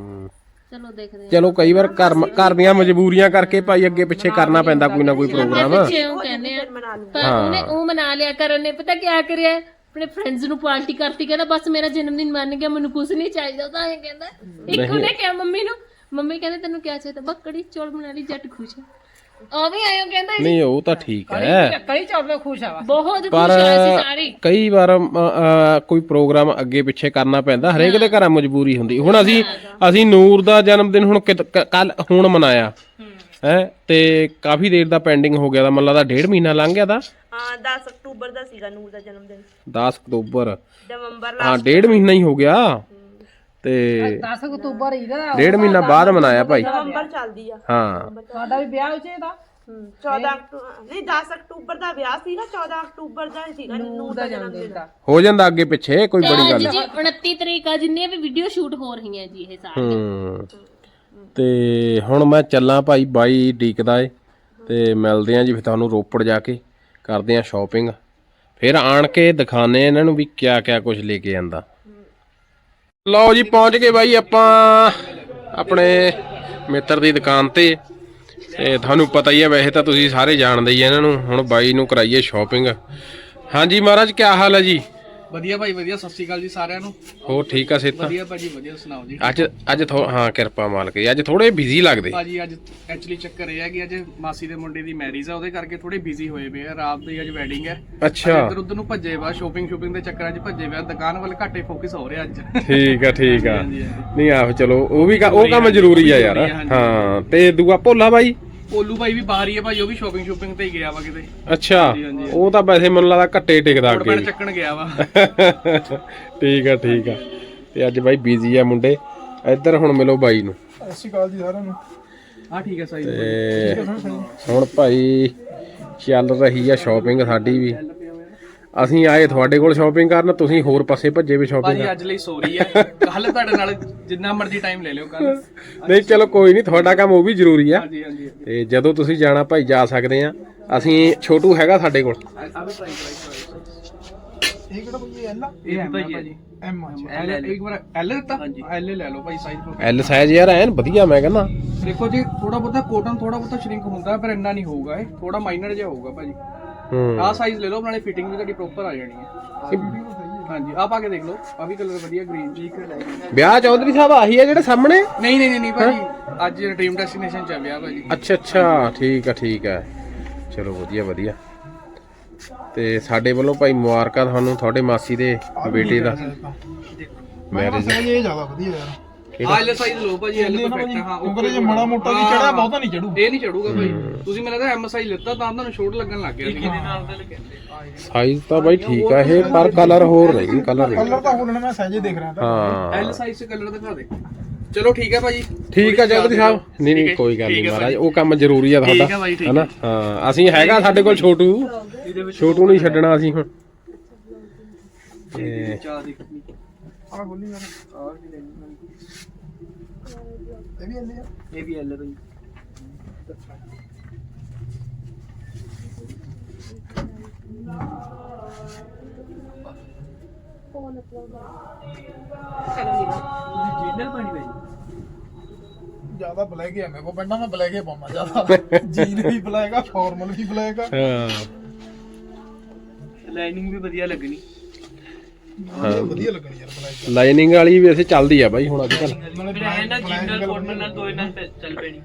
B: ਚਲੋ ਦੇਖਦੇ ਆ।
A: ਚਲੋ ਕਈ ਵਾਰ ਘਰ ਦੀਆਂ ਮਜਬੂਰੀਆਂ ਕਰਕੇ ਭਾਈ ਅੱਗੇ ਪਿੱਛੇ ਕਰਨਾ ਪੈਂਦਾ ਕੋਈ ਨਾ ਕੋਈ ਪ੍ਰੋਗਰਾਮ।
B: ਪਿੱਛੇ ਉਹ ਕਹਿੰਦੇ ਆ, ਪਰ ਉਹਨੇ ਉਹ ਮਨਾ ਲਿਆ। ਕਰਨ ਨੇ ਪਤਾ ਕਿਆ ਕਰਿਆ, ਆਪਣੇ ਫਰੈਂਡਸ ਨੂੰ ਪਾਰਟੀ ਕਰਤੀ, ਕਹਿੰਦਾ ਬਸ ਮੇਰਾ ਜਨਮ ਦਿਨ ਮੰਨ ਗਿਆ, ਮੈਨੂੰ ਕੁਝ ਨਹੀਂ ਚਾਹੀਦਾ। ਤਾਂ ਇਹ ਕਹਿੰਦਾ, ਇੱਕ ਉਹਨੇ ਕਿਹਾ ਮੰਮੀ ਨੂੰ, ਮੰਮੀ ਕਹਿੰਦੇ ਤੈਨੂੰ ਕਿਆ ਚਾਹੀਦਾ, ਬਸ ਕੜੀ ਚੌਲ ਬਣਾ ਲਈ, ਜੱਟ ਖੁਸ਼। ਉਹ ਵੀ ਆਇਓ ਕਹਿੰਦਾ
A: ਨਹੀਂ ਉਹ ਤਾਂ ਠੀਕ ਹੈ,
D: ਕਈ ਚੌਲ ਖੁਸ਼ ਆ।
B: ਬਹੁਤ
A: ਪਰ
B: ਖੁਸ਼ ਹੋਏ ਸੀ ਸਾਰੇ।
A: ਕਈ ਵਾਰ ਕੋਈ ਪ੍ਰੋਗਰਾਮ ਅੱਗੇ ਪਿੱਛੇ ਕਰਨਾ ਪੈਂਦਾ, ਹਰੇਕ ਦੇ ਘਰਾਂ ਮਜਬੂਰੀ ਹੁੰਦੀ। ਹੁਣ ਅਸੀਂ ਨੂਰ ਦਾ ਜਨਮ ਦਿਨ ਹੁਣ ਮਨਾਇਆ ਹੈ, ਤੇ ਕਾਫੀ ਦੇਰ ਦਾ ਪੈਂਡਿੰਗ ਹੋ ਗਿਆ ਦਾ, ਮੈਨੂੰ ਲੱਗਦਾ 1.5 ਮਹੀਨਾ ਲੰਘ ਗਿਆ ਦਾ।
C: ਹਾਂ 10 ਅਕਤੂਬਰ ਦਾ ਸੀਗਾ ਨੂਰ ਦਾ ਜਨਮ ਦਿਨ।
A: 10 ਅਕਤੂਬਰ,
C: ਨਵੰਬਰ
A: ਹਾਂ 1.5 ਮਹੀਨਾ ਹੀ ਹੋ ਗਿਆ, ਤੇ
D: 10 ਅਕਤੂਬਰ ਇਹਦਾ
A: 1.5 ਮਹੀਨਾ ਬਾਅਦ ਮਨਾਇਆ ਭਾਈ।
C: ਨਵੰਬਰ ਚੱਲਦੀ ਆ।
A: ਹਾਂ
D: ਸਾਡਾ ਵੀ ਵਿਆਹ ਉੱਚੇ ਦਾ
C: 14 ਅਕਤੂਬਰ ਨਹੀਂ 10 ਅਕਤੂਬਰ ਦਾ ਵਿਆਹ ਸੀਗਾ, 14 ਅਕਤੂਬਰ ਦਾ ਸੀਗਾ ਨੂਰ ਦਾ ਜਨਮ ਦਿਨ।
A: ਹੋ ਜਾਂਦਾ ਅੱਗੇ ਪਿੱਛੇ, ਕੋਈ ਬੜੀ ਗੱਲ
B: ਜੀ 29 ਤਰੀਕ ਆ, ਜਿੰਨੀਆਂ ਵੀ ਵੀਡੀਓ ਸ਼ੂਟ ਹੋ ਰਹੀਆਂ ਜੀ ਇਹ ਸਾਰੀਆਂ।
A: ਤੇ ਹੁਣ ਮੈਂ ਚੱਲਾਂ ਭਾਈ, ਬਾਈ ਡੀਕਦਾ ਏ, ਤੇ ਮਿਲਦੇ ਆਂ ਜੀ ਫਿਰ ਤੁਹਾਨੂੰ ਰੋਪੜ ਜਾ ਕੇ, ਕਰਦੇ ਆਂ ਸ਼ਾਪਿੰਗ, ਫਿਰ ਆਣ ਕੇ ਦਿਖਾਣੇ ਇਹਨਾਂ ਨੂੰ ਵੀ ਕਿਆ ਕਿਆ ਕੁਝ ਲੈ ਕੇ ਆਂਦਾ। ਲਓ ਜੀ ਪਹੁੰਚ ਗਏ ਬਾਈ ਆਪਾਂ ਆਪਣੇ ਮਿੱਤਰ ਦੀ ਦੁਕਾਨ ਤੇ ਤੁਹਾਨੂੰ ਪਤਾ ਹੀ ਹੈ, ਵੈਸੇ ਤਾਂ ਤੁਸੀਂ ਸਾਰੇ ਜਾਣਦੇ ਹੀ ਇਹਨਾਂ ਨੂੰ। ਹੁਣ ਬਾਈ ਨੂੰ ਕਰਾਈਏ ਸ਼ਾਪਿੰਗ। ਹਾਂਜੀ ਮਹਾਰਾਜ ਕੀ ਹਾਲ ਹੈ ਜੀ?
F: ਵਧੀਆ ਭਾਈ ਵਧੀਆ, ਸਤਿ ਸ਼੍ਰੀ ਅਕਾਲ ਜੀ ਸਾਰਿਆਂ ਨੂੰ।
A: ਹੋਰ ਠੀਕ ਆ ਸਿਹਤ?
F: ਵਧੀਆ ਭਾਜੀ ਵਧੀਆ, ਸੁਣਾਓ ਜੀ।
A: ਅੱਜ ਹਾਂ ਕਿਰਪਾ ਮਾਲਕ ਦੀ, ਅੱਜ ਥੋੜੇ ਬਿਜ਼ੀ ਲੱਗਦੇ
F: ਭਾਜੀ ਅੱਜ ਐਕਚੁਅਲੀ ਚੱਕਰ ਇਹ ਹੈ ਕਿ ਅੱਜ ਮਾਸੀ ਦੇ ਮੁੰਡੇ ਦੀ ਮੈਰਿਜ ਆ, ਉਹਦੇ ਕਰਕੇ ਥੋੜੇ ਬਿਜ਼ੀ ਹੋਏ ਪਏ ਆ। ਰਾਤ ਦੀ ਅੱਜ ਵੈਡਿੰਗ ਹੈ।
A: ਅੱਛਾ
F: ਇੱਧਰ ਉੱਧਰ ਨੂੰ ਭੱਜੇ ਵਾ, ਸ਼ੋਪਿੰਗ ਦੇ ਚੱਕਰਾਂ 'ਚ ਭੱਜੇ ਵਾ, ਦੁਕਾਨ ਵੱਲ ਘੱਟੇ ਫੋਕਸ ਹੋ ਰਿਹਾ ਅੱਜ।
A: ਠੀਕ ਆ ਨਹੀਂ ਆਹੋ ਚਲੋ ਉਹ ਕੰਮ ਜ਼ਰੂਰੀ ਆ ਯਾਰ। ਹਾਂ ਤੇ ਦੂਆ ਭੋਲਾ ਬਾਈ,
F: ਪੋਲੂ ਭਾਈ ਵੀ ਬਾਹਰ ਹੀ ਹੈ ਭਾਈ, ਉਹ ਵੀ ਸ਼ੋਪਿੰਗ ਤੇ ਹੀ ਗਿਆ ਵਾ ਕਿਤੇ।
A: ਅੱਛਾ ਉਹ ਤਾਂ ਵੈਸੇ ਮੈਨੂੰ ਲੱਗਦਾ ਘੱਟੇ ਟਿਕਦਾ ਅੱਗੇ
F: ਕੋਟ ਚੱਕਣ ਗਿਆ ਵਾ।
A: ਠੀਕ ਆ ਤੇ ਅੱਜ ਬਾਈ ਬਿਜ਼ੀ ਆ ਮੁੰਡੇ। ਇੱਧਰ ਹੁਣ ਮਿਲੋ ਬਾਈ ਨੂੰ।
F: ਸਤਿ ਸ਼੍ਰੀ ਅਕਾਲ ਜੀ ਸਾਰਿਆਂ ਨੂੰ। ਹਾਂ ਠੀਕ ਹੈ ਸਾਈ।
A: ਤੇ ਹੁਣ ਭਾਈ ਚੱਲ ਰਹੀ ਆ ਸ਼ਾਪਿੰਗ ਸਾਡੀ ਵੀ। ਅਸੀਂ ਆਏ ਤੁਹਾਡੇ ਕੋਲ ਸ਼ਾਪਿੰਗ ਕਰਨ, ਤੁਸੀਂ ਹੋਰ ਪਾਸੇ ਭੱਜੇ ਵੀ ਸ਼ਾਪਿੰਗ।
F: ਭਾਜੀ ਅੱਜ ਲਈ ਸੌਰੀ ਹੈ, ਕੱਲ ਤੁਹਾਡੇ ਨਾਲ ਜਿੰਨਾ ਮਰਜ਼ੀ ਟਾਈਮ ਲੈ ਲਿਓ ਕੱਲ।
A: ਨਹੀਂ ਚਲੋ ਕੋਈ ਨਹੀਂ, ਤੁਹਾਡਾ ਕੰਮ ਉਹ ਵੀ ਜ਼ਰੂਰੀ ਆ।
F: ਹਾਂਜੀ
A: ਤੇ ਜਦੋਂ ਤੁਸੀਂ ਜਾਣਾ ਭਾਈ ਜਾ ਸਕਦੇ ਆ। ਅਸੀਂ ਛੋਟੂ ਹੈਗਾ ਸਾਡੇ ਕੋਲ।
F: ਇਹ ਕਿਹੜਾ ਭਾਈ ਐਲ? ਇਹ ਐਮ ਭਾਜੀ ਐਮ। ਅੱਛਾ ਇੱਕ ਵਾਰ ਐਲ ਦਿੱਤਾ, ਐਲ ਲੈ ਲਓ ਭਾਈ ਸਾਈਜ਼।
A: ਐਲ ਸਾਈਜ਼ ਯਾਰ ਐਨ ਵਧੀਆ, ਮੈਂ ਕਹਿੰਦਾ।
F: ਦੇਖੋ ਜੀ ਥੋੜਾ ਬਹੁਤਾ ਕੋਟਨ ਥੋੜਾ ਬਹੁਤਾ ਸ਼ਰਿੰਕ ਹੁੰਦਾ, ਪਰ ਇੰਨਾ ਨਹੀਂ ਹੋਊਗਾ, ਇਹ ਥੋੜਾ ਮਾਈਨਰ ਜਿਹਾ ਹੋਊਗਾ ਭਾਜੀ। ਆਹ ਸਾਈਜ਼ ਲੈ ਲਓ, ਨਾਲੇ ਫਿਟਿੰਗ ਵੀ ਤੁਹਾਡੀ ਪ੍ਰੋਪਰ ਆ ਜਾਣੀ ਹੈ। ਹਾਂਜੀ ਆਹ ਪਾ ਕੇ ਦੇਖ ਲਓ, ਆ ਵੀ ਕਲਰ ਵਧੀਆ ਗ੍ਰੀਨ ਜੀ।
A: ਵਿਆਹ ਚੌਧਰੀ ਸਾਹਿਬ ਆਹੀ ਆ ਜਿਹੜੇ ਸਾਹਮਣੇ?
F: ਨਹੀਂ ਭਾਜੀ, ਅੱਜ ਡ੍ਰੀਮ ਡੈਸਟੀਨੇਸ਼ਨ ਚ ਆ ਵਿਆਹ ਭਾਜੀ।
A: ਅੱਛਾ ਠੀਕ ਆ ਚਲੋ ਵਧੀਆ। ਤੇ ਸਾਡੇ ਵੱਲੋਂ ਭਾਈ ਮੁਬਾਰਕਾਂ ਤੁਹਾਨੂੰ, ਤੁਹਾਡੇ ਮਾਸੀ ਦੇ ਬੇਟੇ ਦਾ ਮੈਰਿਜ।
G: ਇਹ ਜ਼ਿਆਦਾ ਵਧੀਆ ਯਾਰ।
F: ਆਹ ਐਲ ਸਾਈਜ਼ ਲਓ ਭਾਜੀ, ਐਲ ਪਰਫੈਕਟ। ਹਾਂ
G: ਉੱਪਰ ਜੇ ਮਾੜਾ ਮੋਟਾ ਵੀ ਚੜਿਆ ਬਹੁਤਾ ਨਹੀਂ ਚੜੂ।
F: ਇਹ ਨਹੀਂ ਚੜੂਗਾ ਭਾਈ। ਤੁਸੀਂ ਮੈਨੂੰ ਲੱਗਦਾ ਐਮ ਸਾਈਜ਼ ਲਿੱਤਾ ਤਾਂ ਤੁਹਾਨੂੰ ਛੋਟ ਲੱਗਣ ਲੱਗ ਗਿਆ ਸੀ।
A: ਸਾਈਜ਼ ਤਾਂ ਬਾਈ ਠੀਕ ਆ ਇਹ, ਪਰ ਕਲਰ ਹੋਰ ਨਹੀਂ, ਕਲਰ
G: ਤਾਂ ਹੋਰ ਮੈਂ ਸਾਈਜ਼ ਦੇਖ ਰਿਹਾ ਤਾਂ।
A: ਹਾਂ
F: ਐਲ ਸਾਈਜ਼ ਚ ਕਲਰ ਦਿਖਾ ਦੇ। ਚਲੋ ਠੀਕ ਹੈ ਭਾਜੀ।
A: ਠੀਕ ਆ ਚੌਧਰੀ ਸਾਹਿਬ। ਨਹੀਂ ਨਹੀਂ ਕੋਈ ਗੱਲ ਨਹੀਂ ਮਹਾਰਾਜ, ਉਹ ਕੰਮ ਜ਼ਰੂਰੀ ਆ
F: ਠੀਕ
A: ਤੁਹਾਡਾ
F: ਹੈ ਭਾਈ, ਠੀਕ
A: ਹਨਾ। ਹਾਂ ਅਸੀਂ ਹੈਗਾ ਸਾਡੇ ਕੋਲ ਛੋਟੂ ਨਹੀਂ ਛੱਡਣਾ ਅਸੀਂ ਹੁਣ। ਤੇ
F: ਚਾਹ ਦੇਖਣੀ
G: ਆ ਗੋਲੀ ਯਾਰ ਇਹ ਵੀ ਆਲੇ ਆ
F: ਇਹ ਵੀ ਐਲ ਭਾਈ। ਜੀਨਲ ਪਾਣੀ ਭਾਈ
G: ਜਿਆਦਾ ਬਲੈਕ ਹੈ ਮੇਰੇ ਕੋ ਪੈਂਦਾ, ਮੈਂ ਬਲੈਕ ਹੀ ਪਾਉਣਾ ਜਿਆਦਾ। ਜੀਨ ਵੀ ਬਲੈਕ ਆ, ਫਾਰਮਲ ਵੀ ਬਲੈਕ ਆ।
A: ਹਾਂ
F: ਲਾਈਨਿੰਗ ਵੀ ਵਧੀਆ ਲੱਗਣੀ।
G: ਵਧੀਆ ਲੱਗਣੀ ਯਾਰ ਬਲੈਕ।
A: ਲਾਈਨਿੰਗ ਵਾਲੀ ਵੀ ਵੈਸੇ ਚੱਲਦੀ ਆ ਬਾਈ ਹੁਣ ਅੱਜ ਕੱਲ।
F: ਜੀਨਲ ਕੋਟਨ ਨਾਲ ਦੋ ਨਾਲ ਚੱਲ ਪੈਣੀ।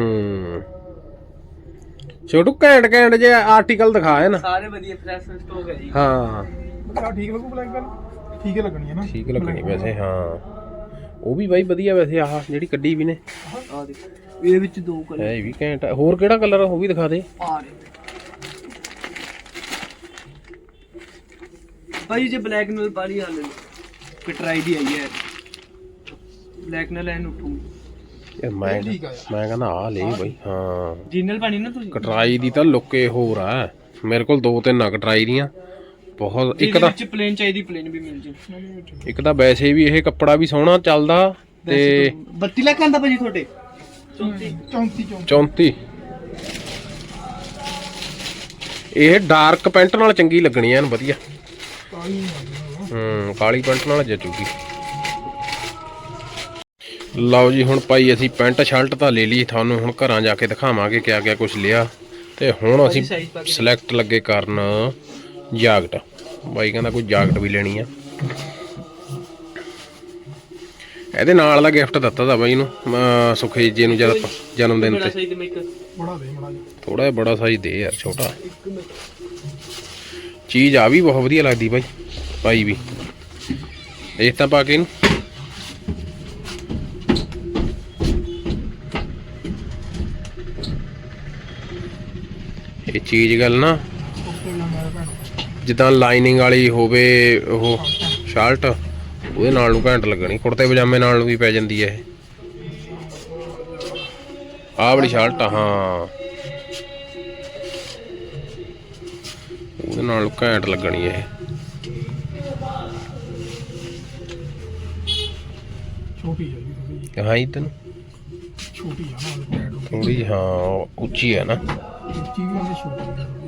A: ਛੋਟੂ ਘੈਂਟ ਜੇ ਆਰਟੀਕਲ ਦਿਖਾਏ ਨਾ
F: ਸਾਰੇ ਵਧੀਆ ਫਰੈਸ਼ ਸਟਾਕ ਹੈ ਜੀ।
A: ਹਾਂ
G: ਆ ਠੀਕ ਲੱਗੂ ਬਲੈਕ ਵਾਲੀ, ਠੀਕ ਹੀ ਲੱਗਣੀ ਹੈ ਨਾ।
A: ਠੀਕ ਲੱਗਣੀ ਵੈਸੇ। ਹਾਂ ਉਹ ਵੀ ਬਾਈ ਵਧੀਆ ਵੈਸੇ। ਆਹ ਜਿਹੜੀ ਕੱਢੀ ਵੀ ਨੇ
F: ਆ ਦੇਖ ਇਹਦੇ ਵਿੱਚ ਦੋ ਕਲਰ
A: ਹੈ, ਇਹ ਵੀ ਘੈਂਟ ਆ। ਹੋਰ ਕਿਹੜਾ ਕਲਰ ਉਹ ਵੀ ਦਿਖਾ ਦੇ।
F: ਆ ਰਹੇ ਭਾਈ ਜੇ ਬਲੈਕ ਨਾਲ ਬਾਲੀ ਆ ਲੈ ਕਟਰਾਈ ਦੀ ਆਈ ਹੈ। ਬਲੈਕ ਨਾਲ ਐਨ ਉੱਠੂਗੀ
A: ਯਾਰ ਮੈਂ ਕਹਿੰਦਾ ਆ ਲੈ ਬਾਈ। ਹਾਂ
F: ਜੀਨਲ ਪਾਣੀ ਨਾ ਤੁਸੀਂ।
A: ਕਟਰਾਈ ਦੀ ਤਾਂ ਲੁੱਕੇ ਹੋਰ ਆ। ਮੇਰੇ ਕੋਲ 2-3 ਆ ਕਟਰਾਈ ਦੀਆਂ ਬਹੁਤ। ਇੱਕ ਤਾਂ
F: ਵਿੱਚ ਪਲੇਨ ਚਾਹੀਦੀ, ਪਲੇਨ ਵੀ ਮਿਲ ਜੇ।
A: ਇੱਕ ਤਾਂ ਵੈਸੇ ਵੀ ਇਹ ਕੱਪੜਾ ਵੀ ਸੋਹਣਾ ਚੱਲਦਾ ਤੇ
F: 32 ਲੱਖ ਆਂਦਾ ਭਾਜੀ ਤੁਹਾਡੇ।
A: 34 ਇਹ ਡਾਰਕ ਪੈਂਟ ਨਾਲ ਚੰਗੀ ਲੱਗਣੀ ਐਨ ਵਧੀਆ। ਕਾਲੀ ਪੈਂਟ ਨਾਲ ਜਚੂਗੀ। ਲਓ ਜੀ ਹੁਣ ਭਾਈ ਅਸੀਂ ਪੈਂਟ ਸ਼ਰਟ ਤਾਂ ਲੈ ਲਈ, ਤੁਹਾਨੂੰ ਹੁਣ ਘਰਾਂ ਜਾ ਕੇ ਦਿਖਾਵਾਂਗੇ ਕਿਆ ਕਿਆ ਕੁਝ ਲਿਆ। ਤੇ ਹੁਣ ਅਸੀਂ ਸਿਲੈਕਟ ਲੱਗੇ ਕਰਨ ਜਾਕਟ। ਬਾਈ ਕਹਿੰਦਾ ਕੋਈ ਜਾਕਟ ਵੀ ਲੈਣੀ ਆ। ਇਹਦੇ ਨਾਲ ਦਾ ਗਿਫਟ ਦਿੱਤਾ ਤਾ ਬਾਈ ਨੂੰ ਸੁਖੇਜ ਜੀ ਨੂੰ ਜਦ ਜਨਮ ਦਿਨ ਤੇ।
G: ਬੜਾ ਦੇ ਬੜਾ
A: ਥੋੜਾ ਜਿਹਾ ਬੜਾ ਸਾਈਜ਼ ਦੇ ਯਾਰ, ਛੋਟਾ ਚੀਜ਼ ਆ ਵੀ ਬਹੁਤ ਵਧੀਆ ਲੱਗਦੀ ਬਾਈ। ਭਾਈ ਵੀ ਇਹ ਤਾਂ ਪਾ ਕੇ ਇਹਨੂੰ ਇਹ ਚੀਜ਼ ਗੱਲ ਨਾ ਜਿੱਦਾਂ ਲਾਈਨਿੰਗ ਵਾਲੀ ਹੋਵੇ ਉਹ ਸ਼ਰਟ, ਉਹਦੇ ਨਾਲ ਨੂੰ ਘੈਂਟ ਲੱਗਣੀ। ਕੁੜਤੇ ਪਜਾਮੇ ਨਾਲ ਨੂੰ ਵੀ ਪੈ ਜਾਂਦੀ ਹੈ ਇਹ। ਆਹ ਵਾਲੀ ਸ਼ਰਟ ਆ, ਹਾਂ ਉਹਦੇ ਨਾਲ ਘੈਂਟ ਲੱਗਣੀ ਇਹ।
G: ਛੋਟੀ ਹੈ ਜੀ
A: ਹਾਂ ਤੈਨੂੰ
G: ਛੋਟੀ ਆ ਨਾ,
A: ਥੋੜੀ ਹਾਂ ਉੱਚੀ ਹੈ ਨਾ।
G: ਉੱਚੀ ਵੀ ਉਹਨੇ ਛੋਟੀ ਹੈ।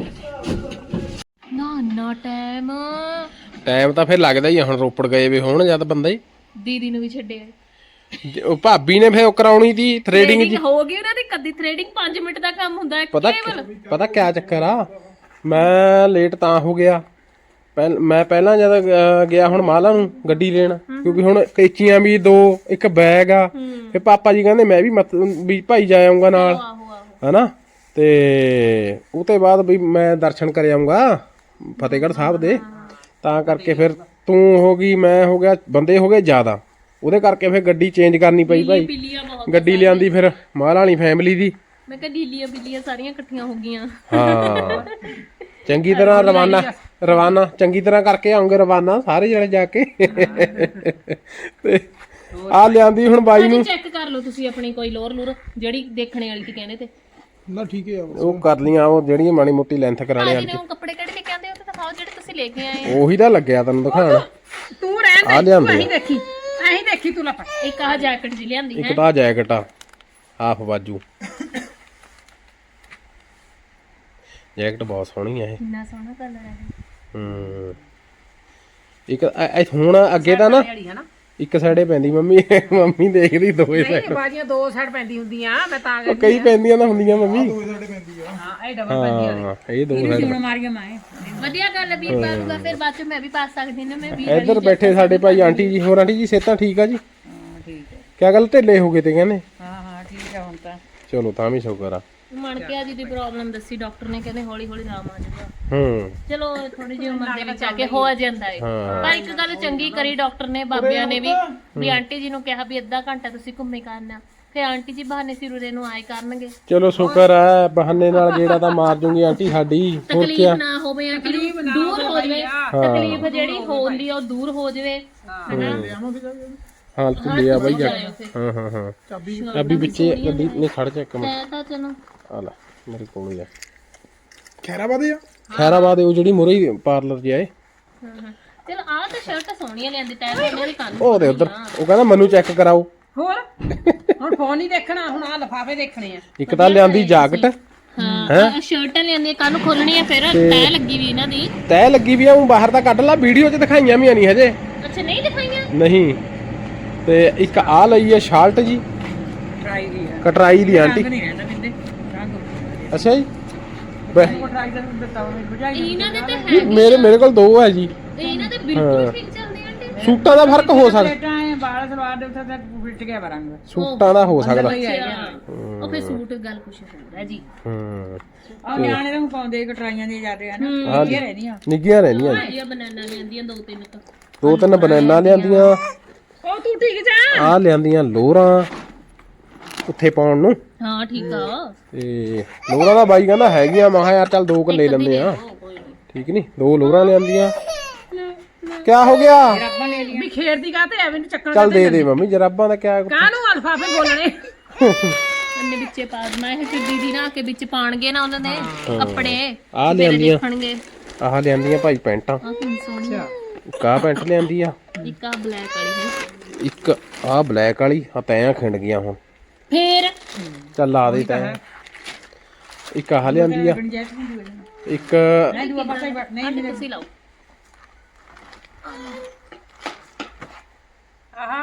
B: ਨਾ
A: ਟਾਈਮ ਤਾਂ ਫਿਰ ਲੱਗਦਾ ਹੀ ਆ। ਹੁਣ ਰੋਪੜ ਗਏ ਵੇ ਹੋਣ ਜਦ ਬੰਦਾ ਹੀ।
B: ਦੀਦੀ ਨੂੰ ਵੀ ਛੱਡਿਆ।
A: ਉਹ ਭਾਬੀ ਨੇ ਫਿਰ ਉਹ ਕਰਾਉਣੀ ਦੀ ਥ੍ਰੇਡਿੰਗ ਜੀ।
B: ਹੋ ਗਈ ਉਹਨਾਂ ਦੀ ਕਦੀ ਥ੍ਰੇਡਿੰਗ 5 ਮਿੰਟ ਦਾ ਕੰਮ ਹੁੰਦਾ ਹੈ
A: ਪਤਾ ਕਿਆ ਚੱਕਰ ਆ। ਮੈਂ ਲੇਟ ਤਾਂ ਹੋ ਗਿਆ। ਮੈਂ ਪਹਿਲਾਂ ਜਦ ਗਿਆ ਹੁਣ ਮਾਲਾ ਨੂੰ ਗੱਡੀ ਲੈਣ, ਕਿਉਂਕਿ ਹੁਣ ਕੈਚੀਆਂ ਵੀ 2 ਇੱਕ ਬੈਗ ਆ। ਫਿਰ ਪਾਪਾ ਜੀ ਕਹਿੰਦੇ ਮੈਂ ਵੀ ਭਾਈ ਜਾ ਆਉਂਗਾ ਨਾਲ ਹਨਾ। ਤੇ ਉਹ ਤੋਂ ਬਾਅਦ ਵੀ ਮੈਂ ਦਰਸ਼ਨ ਕਰ ਆਉਂਗਾ ਫਤਿਹਗੜ੍ਹ ਸਾਹਿਬ ਦੇ। ਤਾਂ ਕਰਕੇ ਫਿਰ ਤੂੰ ਹੋ ਗਈ, ਮੈਂ ਹੋ ਗਿਆ, ਬੰਦੇ ਹੋ ਗਏ ਜ਼ਿਆਦਾ। ਉਹਦੇ ਕਰਕੇ ਫਿਰ ਗੱਡੀ ਚੇਂਜ ਕਰਨੀ ਪਈ ਭਾਈ। ਗੱਡੀ ਲਿਆਂਦੀ ਫਿਰ ਮਾਲਾ ਵਾਲੀ ਫੈਮਿਲੀ ਦੀ।
B: ਮੈਂ ਕਿਹਾ ਢੀਲੀਆਂ ਬਿੱਲੀਆਂ ਸਾਰੀਆਂ ਇਕੱਠੀਆਂ ਹੋ ਗਈਆਂ।
A: ਹਾਂ ਚੰਗੀ ਤਰ੍ਹਾਂ ਰਵਾਨਾ ਚੰਗੀ ਤਰ੍ਹਾਂ ਕਰਕੇ ਆਉਂਗੇ ਰਵਾਨਾ ਸਾਰੇ ਜਣੇ ਜਾ ਕੇ। ਤੇ ਆ ਲਿਆਂਦੀ ਹੁਣ ਬਾਈ ਨੂੰ।
B: ਚੈੱਕ ਕਰ ਲਓ ਤੁਸੀਂ ਆਪਣੀ ਕੋਈ ਲੋਰ ਲੂਰ ਜਿਹੜੀ ਦੇਖਣੇ ਵਾਲੀ ਸੀ ਕਹਿੰਦੇ ਤੇ
G: ਨਾ ਠੀਕ ਹੈ।
A: ਉਹ ਕਰ ਲੀਆਂ ਉਹ ਜਿਹੜੀਆਂ ਮਾੜੀ ਮੋਟੀ ਲੈਂਥ ਕਰਾਣੇ
B: ਭਾਜੀ ਨੇ ਉਹ ਕੱਪੜੇ ਕਿਹੜੇ ਲੈ ਕੇ ਆਂਦੇ ਉਹ ਤਾਂ ਦਿਖਾਓ ਜਿਹੜੇ ਤੁਸੀਂ ਲੈ ਕੇ ਆਏ
A: ਉਹੀ ਤਾਂ ਲੱਗਿਆ ਤੈਨੂੰ ਦਿਖਾਣ।
D: ਤੂੰ ਰਹਿਣ
A: ਆ
D: ਦੇ,
A: ਲਿਆਂਦੇ
D: ਅਸੀਂ ਦੇਖੀ ਤੂੰ ਲੱਪਾ।
B: ਇੱਕ ਆਹ ਜੈਕਟ ਜੀ ਲਿਆਂਦੀ
A: ਇੱਕ ਤਾਂ ਜੈਕਟ ਆ ਹਾਫ ਬਾਜੂ। ਜੈਕਟ ਬਹੁਤ ਸੋਹਣੀ ਆ ਇਹ।
B: ਕਿੰਨਾ ਸੋਹਣਾ ਕਲਰ ਹੈ।
A: ਇੱਕ ਹੁਣ ਅੱਗੇ ਤਾਂ ਨਾ ਇੱਕ ਸਾਈਡੇ ਪੈਂਦੀ ਮੰਮੀ ਦੇਖਦੀ ਦੋਵੇਂ ਸਾਈਡ।
D: ਨਹੀਂ ਬਾਜੀਆਂ 2 ਸਾਈਡ ਪੈਂਦੀ ਹੁੰਦੀਆਂ, ਮੈਂ ਤਾਂ
A: ਉਹ ਕਈ ਪੈਂਦੀਆਂ ਤਾਂ ਹੁੰਦੀਆਂ ਮੰਮੀ।
D: ਹਾਂ ਇਹ ਡਬਲ ਪੈਂਦੀ ਆ।
A: ਹਾਂ ਇਹ 2 ਸਾਈਡ।
D: ਹੁਣ ਮਾਰੀਆਂ ਮਾਏ
B: ਵਧੀਆ ਗੱਲ ਹੈ ਵੀਰ ਪਾਲੂਗਾ ਫਿਰ ਬਾਅਦ ਚ ਮੈਂ ਵੀ ਪਾ ਸਕਦੀ ਨਾ। ਮੈਂ ਵੀ
A: ਇੱਧਰ ਬੈਠੇ ਸਾਡੇ ਭਾਈ ਆਂਟੀ ਜੀ। ਹੋਰ ਆਂਟੀ ਜੀ ਸਿਹਤਾਂ ਠੀਕ ਆ ਜੀ?
D: ਹਾਂ ਠੀਕ ਹੈ।
A: ਕਿਆ ਗੱਲ ਢਿੱਲੇ ਹੋ ਗਏ ਤੇ ਕਹਿੰਦੇ?
D: ਹਾਂ ਠੀਕ ਹੈ ਹੁਣ ਤਾਂ।
A: ਚਲੋ ਤਾਂ ਵੀ ਸ਼ੁਕਰ ਆ।
B: ਮਣ ਕੇ ਜੀ ਦੀ ਪ੍ਰੋਬਲਮ ਦੱਸੀ ਡਾਕਟਰ ਨੇ, ਕਹਿੰਦੇ ਹੌਲੀ ਹੌਲੀ ਆਰਾਮ ਆ ਜਾਊਗਾ। ਚਲੋ ਥੋੜੀ ਜਿਹੀ ਉਮਰ ਦੇ ਵਿੱਚ ਆ ਕੇ ਹੋ ਜਾਂਦਾ ਹੈ। ਪਰ ਇੱਕ ਗੱਲ ਚੰਗੀ ਕਰੀ ਡਾਕਟਰ ਨੇ, ਬਾਬਿਆਂ ਨੇ ਵੀ ਆਂਟੀ ਜੀ ਨੂੰ ਕਿਹਾ ਵੀ ਅੱਧਾ ਘੰਟਾ ਤੁਸੀਂ ਘੁੰਮੇ ਕਰਨਾ। ਫਿਰ ਆਂਟੀ ਜੀ ਬਹਾਨੇ ਸਿਰੇ ਨੂੰ ਆਏ ਕਰਨਗੇ।
A: ਚਲੋ ਸ਼ੁਕਰ ਆ ਬਹਾਨੇ ਨਾਲ ਜਿਹੜਾ ਤਾਂ ਮਾਰ ਜੂਗੀ ਆਂਟੀ ਸਾਡੀ। ਹੋਰ ਕੀ
B: ਤਕਲੀਫ ਨਾ ਹੋਵੇ ਆਂਟੀ ਨੂੰ, ਦੂਰ ਹੋ ਜਾਵੇ ਤਕਲੀਫ ਜਿਹੜੀ ਹੁੰਦੀ ਆ ਉਹ ਦੂਰ ਹੋ ਜਾਵੇ ਹਨਾ।
A: ਹਾਂ ਤੂੰ ਲਿਆ ਬਾਈ ਜਾ ਹਾਂ ਹਾਂ ਹਾਂ ਚਾਬੀ ਵਿੱਚੇ ਗੱਡੀ ਨੇ ਖੜ ਜਾ ਇੱਕ ਮਿੰਟ
B: ਮੈਂ ਤਾਂ ਚਲੋ
A: ਆ ਲੈ ਮੇਰੇ ਕੋਲ ਹੀ ਆ
G: ਖੈਰਾਬਾਦ ਆ
A: ਖੈਰਾਬਾਦ ਉਹ ਜਿਹੜੀ ਮੁਰੇ ਪਾਰਲਰ ਜਿਹਾ ਏ
B: ਚਲ ਆਹ ਤਾਂ ਸ਼ਰਟ ਸੋਹਣੀਆਂ ਲਿਆਂਦੀ ਤੈਂ ਮੇਰੀ ਕੰਨ
A: ਉਹ ਦੇ ਉਧਰ ਉਹ ਕਹਿੰਦਾ ਮੈਨੂੰ ਚੈੱਕ ਕਰਾਓ
D: ਹੋਰ ਹੁਣ ਫੋਨ ਹੀ ਦੇਖਣਾ, ਹੁਣ ਆ ਲਿਫਾਫੇ ਦੇਖਣੇ ਆ।
A: ਇੱਕ ਤਾਂ ਲਿਆਂਦੀ ਜਾਕਟ
B: ਹਾਂ ਸ਼ਰਟਾਂ ਲਿਆਂਦੀਆਂ ਕੰਨ ਖੋਲਣੀਆਂ ਫਿਰ ਤੈ ਲੱਗੀ ਵੀ ਇਹਨਾਂ ਦੀ
A: ਤੈ ਲੱਗੀ ਵੀ ਆ ਉਹ ਬਾਹਰ ਤਾਂ ਕੱਢ ਲਾ ਵੀਡੀਓ 'ਚ ਦਿਖਾਈਆਂ ਵੀ ਨਹੀਂ ਹਜੇ
B: ਅੱਛਾ ਨਹੀਂ ਦਿਖਾਈਆਂ
A: ਨਹੀਂ ਤੇ ਇੱਕ ਆ ਲਈ ਹੈ ਸ਼ਾਰਟ ਜੀ
D: ਟਰਾਈ ਦੀ ਆ,
A: ਕਟਰਾਈ ਦੀ ਆਂਟੀ
D: ਨਹੀਂ ਰਹਿੰਦਾ ਬਿੰਦੇ ਰੰਗ
A: ਅੱਛਾ ਜੀ
D: ਟਰਾਈ ਦਾ ਦਿੱਤਾ ਉਹਨੇ ਬੁਝਾਈ
B: ਇਹਨਾਂ ਦੇ ਤੇ
A: ਮੇਰੇ ਕੋਲ ਦੋ ਹੈ ਜੀ
B: ਇਹਨਾਂ ਦੇ ਬਿਲਕੁਲ ਠੀਕ ਚੱਲਦੇ ਆਂਟੀ
A: ਸੂਟਾਂ ਦਾ ਫਰਕ ਹੋ ਸਕਦਾ
D: ਪਲੇਟਾਂ ਐ ਬਾਲ ਸਲਵਾਰ ਦੇ ਉੱਤੇ ਤੱਕ ਫਿੱਟ ਗਿਆ ਰੰਗ।
A: ਸੂਟਾਂ ਦਾ ਹੋ ਸਕਦਾ
B: ਉਹ ਫੇ ਸੂਟ ਗੱਲ ਕੁਛ ਹੋਰ ਹੈ ਜੀ
D: ਆ ਨਿਆਣੇ ਤਾਂ ਹੁਣ ਪਾਉਂਦੇ ਕਟਰਾਈਆਂ ਦੀਆਂ ਜਾਂਦੇ ਹਨ ਨਿੱਕੀਆਂ ਰਹਿੰਦੀਆਂ।
A: ਨਿੱਗੀਆਂ ਰਹਿੰਦੀਆਂ ਜੀ
B: ਇਹ ਬਨਾਨਾ ਲਿਆਂਦੀਆਂ ਦੋ ਤਿੰਨ ਤਾਂ
A: ਦੋ ਤਿੰਨ ਬਨਾਨਾ ਲਿਆਂਦੀਆਂ
D: ਉਹ ਤੂੰ ਠੀਕ ਜਾ
A: ਆ ਲਿਆਂਦੀਆਂ ਲੋਰਾਂ ਉੱਥੇ ਪਾਉਣ ਨੂੰ
B: ਹਾਂ ਠੀਕ ਆ
A: ਤੇ ਲੋਰਾਂ ਦਾ ਬਾਈ ਕਹਿੰਦਾ ਹੈਗੀਆਂ ਮੈਂ ਕਿਹਾ ਯਾਰ ਚੱਲ ਦੋ ਕੁ ਲੈ ਲੈਂਦੇ ਆ ਠੀਕ ਨਹੀਂ ਦੋ ਲੋਰਾਂ ਲਿਆਂਦੀਆਂ ਕਿਆ ਹੋ ਗਿਆ
D: ਰੱਬਾਂ ਲੈ ਲੀਆਂ ਵੀ ਖੇਰ ਦੀ ਕਾਤੇ ਐਵੇਂ ਨੂੰ ਚੱਕਣ
A: ਚੱਲ ਦੇ ਮੰਮੀ ਜਰਾਬਾਂ ਦਾ ਕਿਆ
D: ਕਾਹਨੂੰ ਅਲਫਾਫੇ ਬੋਲਣੇ
B: ਅੰਨੇ ਵਿੱਚੇ ਪਾ ਦਮਾ ਇਹ ਫਿਰ ਦੀਦੀ ਨਾ ਕੇ ਵਿੱਚ ਪਾਣਗੇ ਨਾ ਉਹਨਾਂ ਦੇ ਕੱਪੜੇ
A: ਆ ਲਿਆਂਦੀਆਂ
B: ਦੇਖਣਗੇ
A: ਆਹ ਲਿਆਂਦੀਆਂ ਭਾਈ ਪੈਂਟਾਂ
B: ਆ ਕਿੰਨੀ ਸੋਹਣੀ ਆ।
A: ਕਾ ਪੈਂਟ ਲਿਆਂਦੀ ਆ
B: ਇੱਕ ਆ ਬਲੈਕ ਵਾਲੀ ਹੈ
A: ਇੱਕ ਆਹ ਬਲੈਕ ਵਾਲੀ ਆ ਤੈਂ ਖਿੰਡ ਗਈਆਂ ਹੁਣ
B: ਫੇਰ
A: ਚੱਲ ਲਾ ਦੇ ਤੈਂ ਇੱਕ ਆਹ ਲਿਆਂਦੀ ਆ ਇੱਕ
D: ਨਹੀਂ ਦੂਆ ਪਾਸੇ ਨਹੀਂ
B: ਤੁਸੀਂ ਲਾਓ
D: ਆਹਾ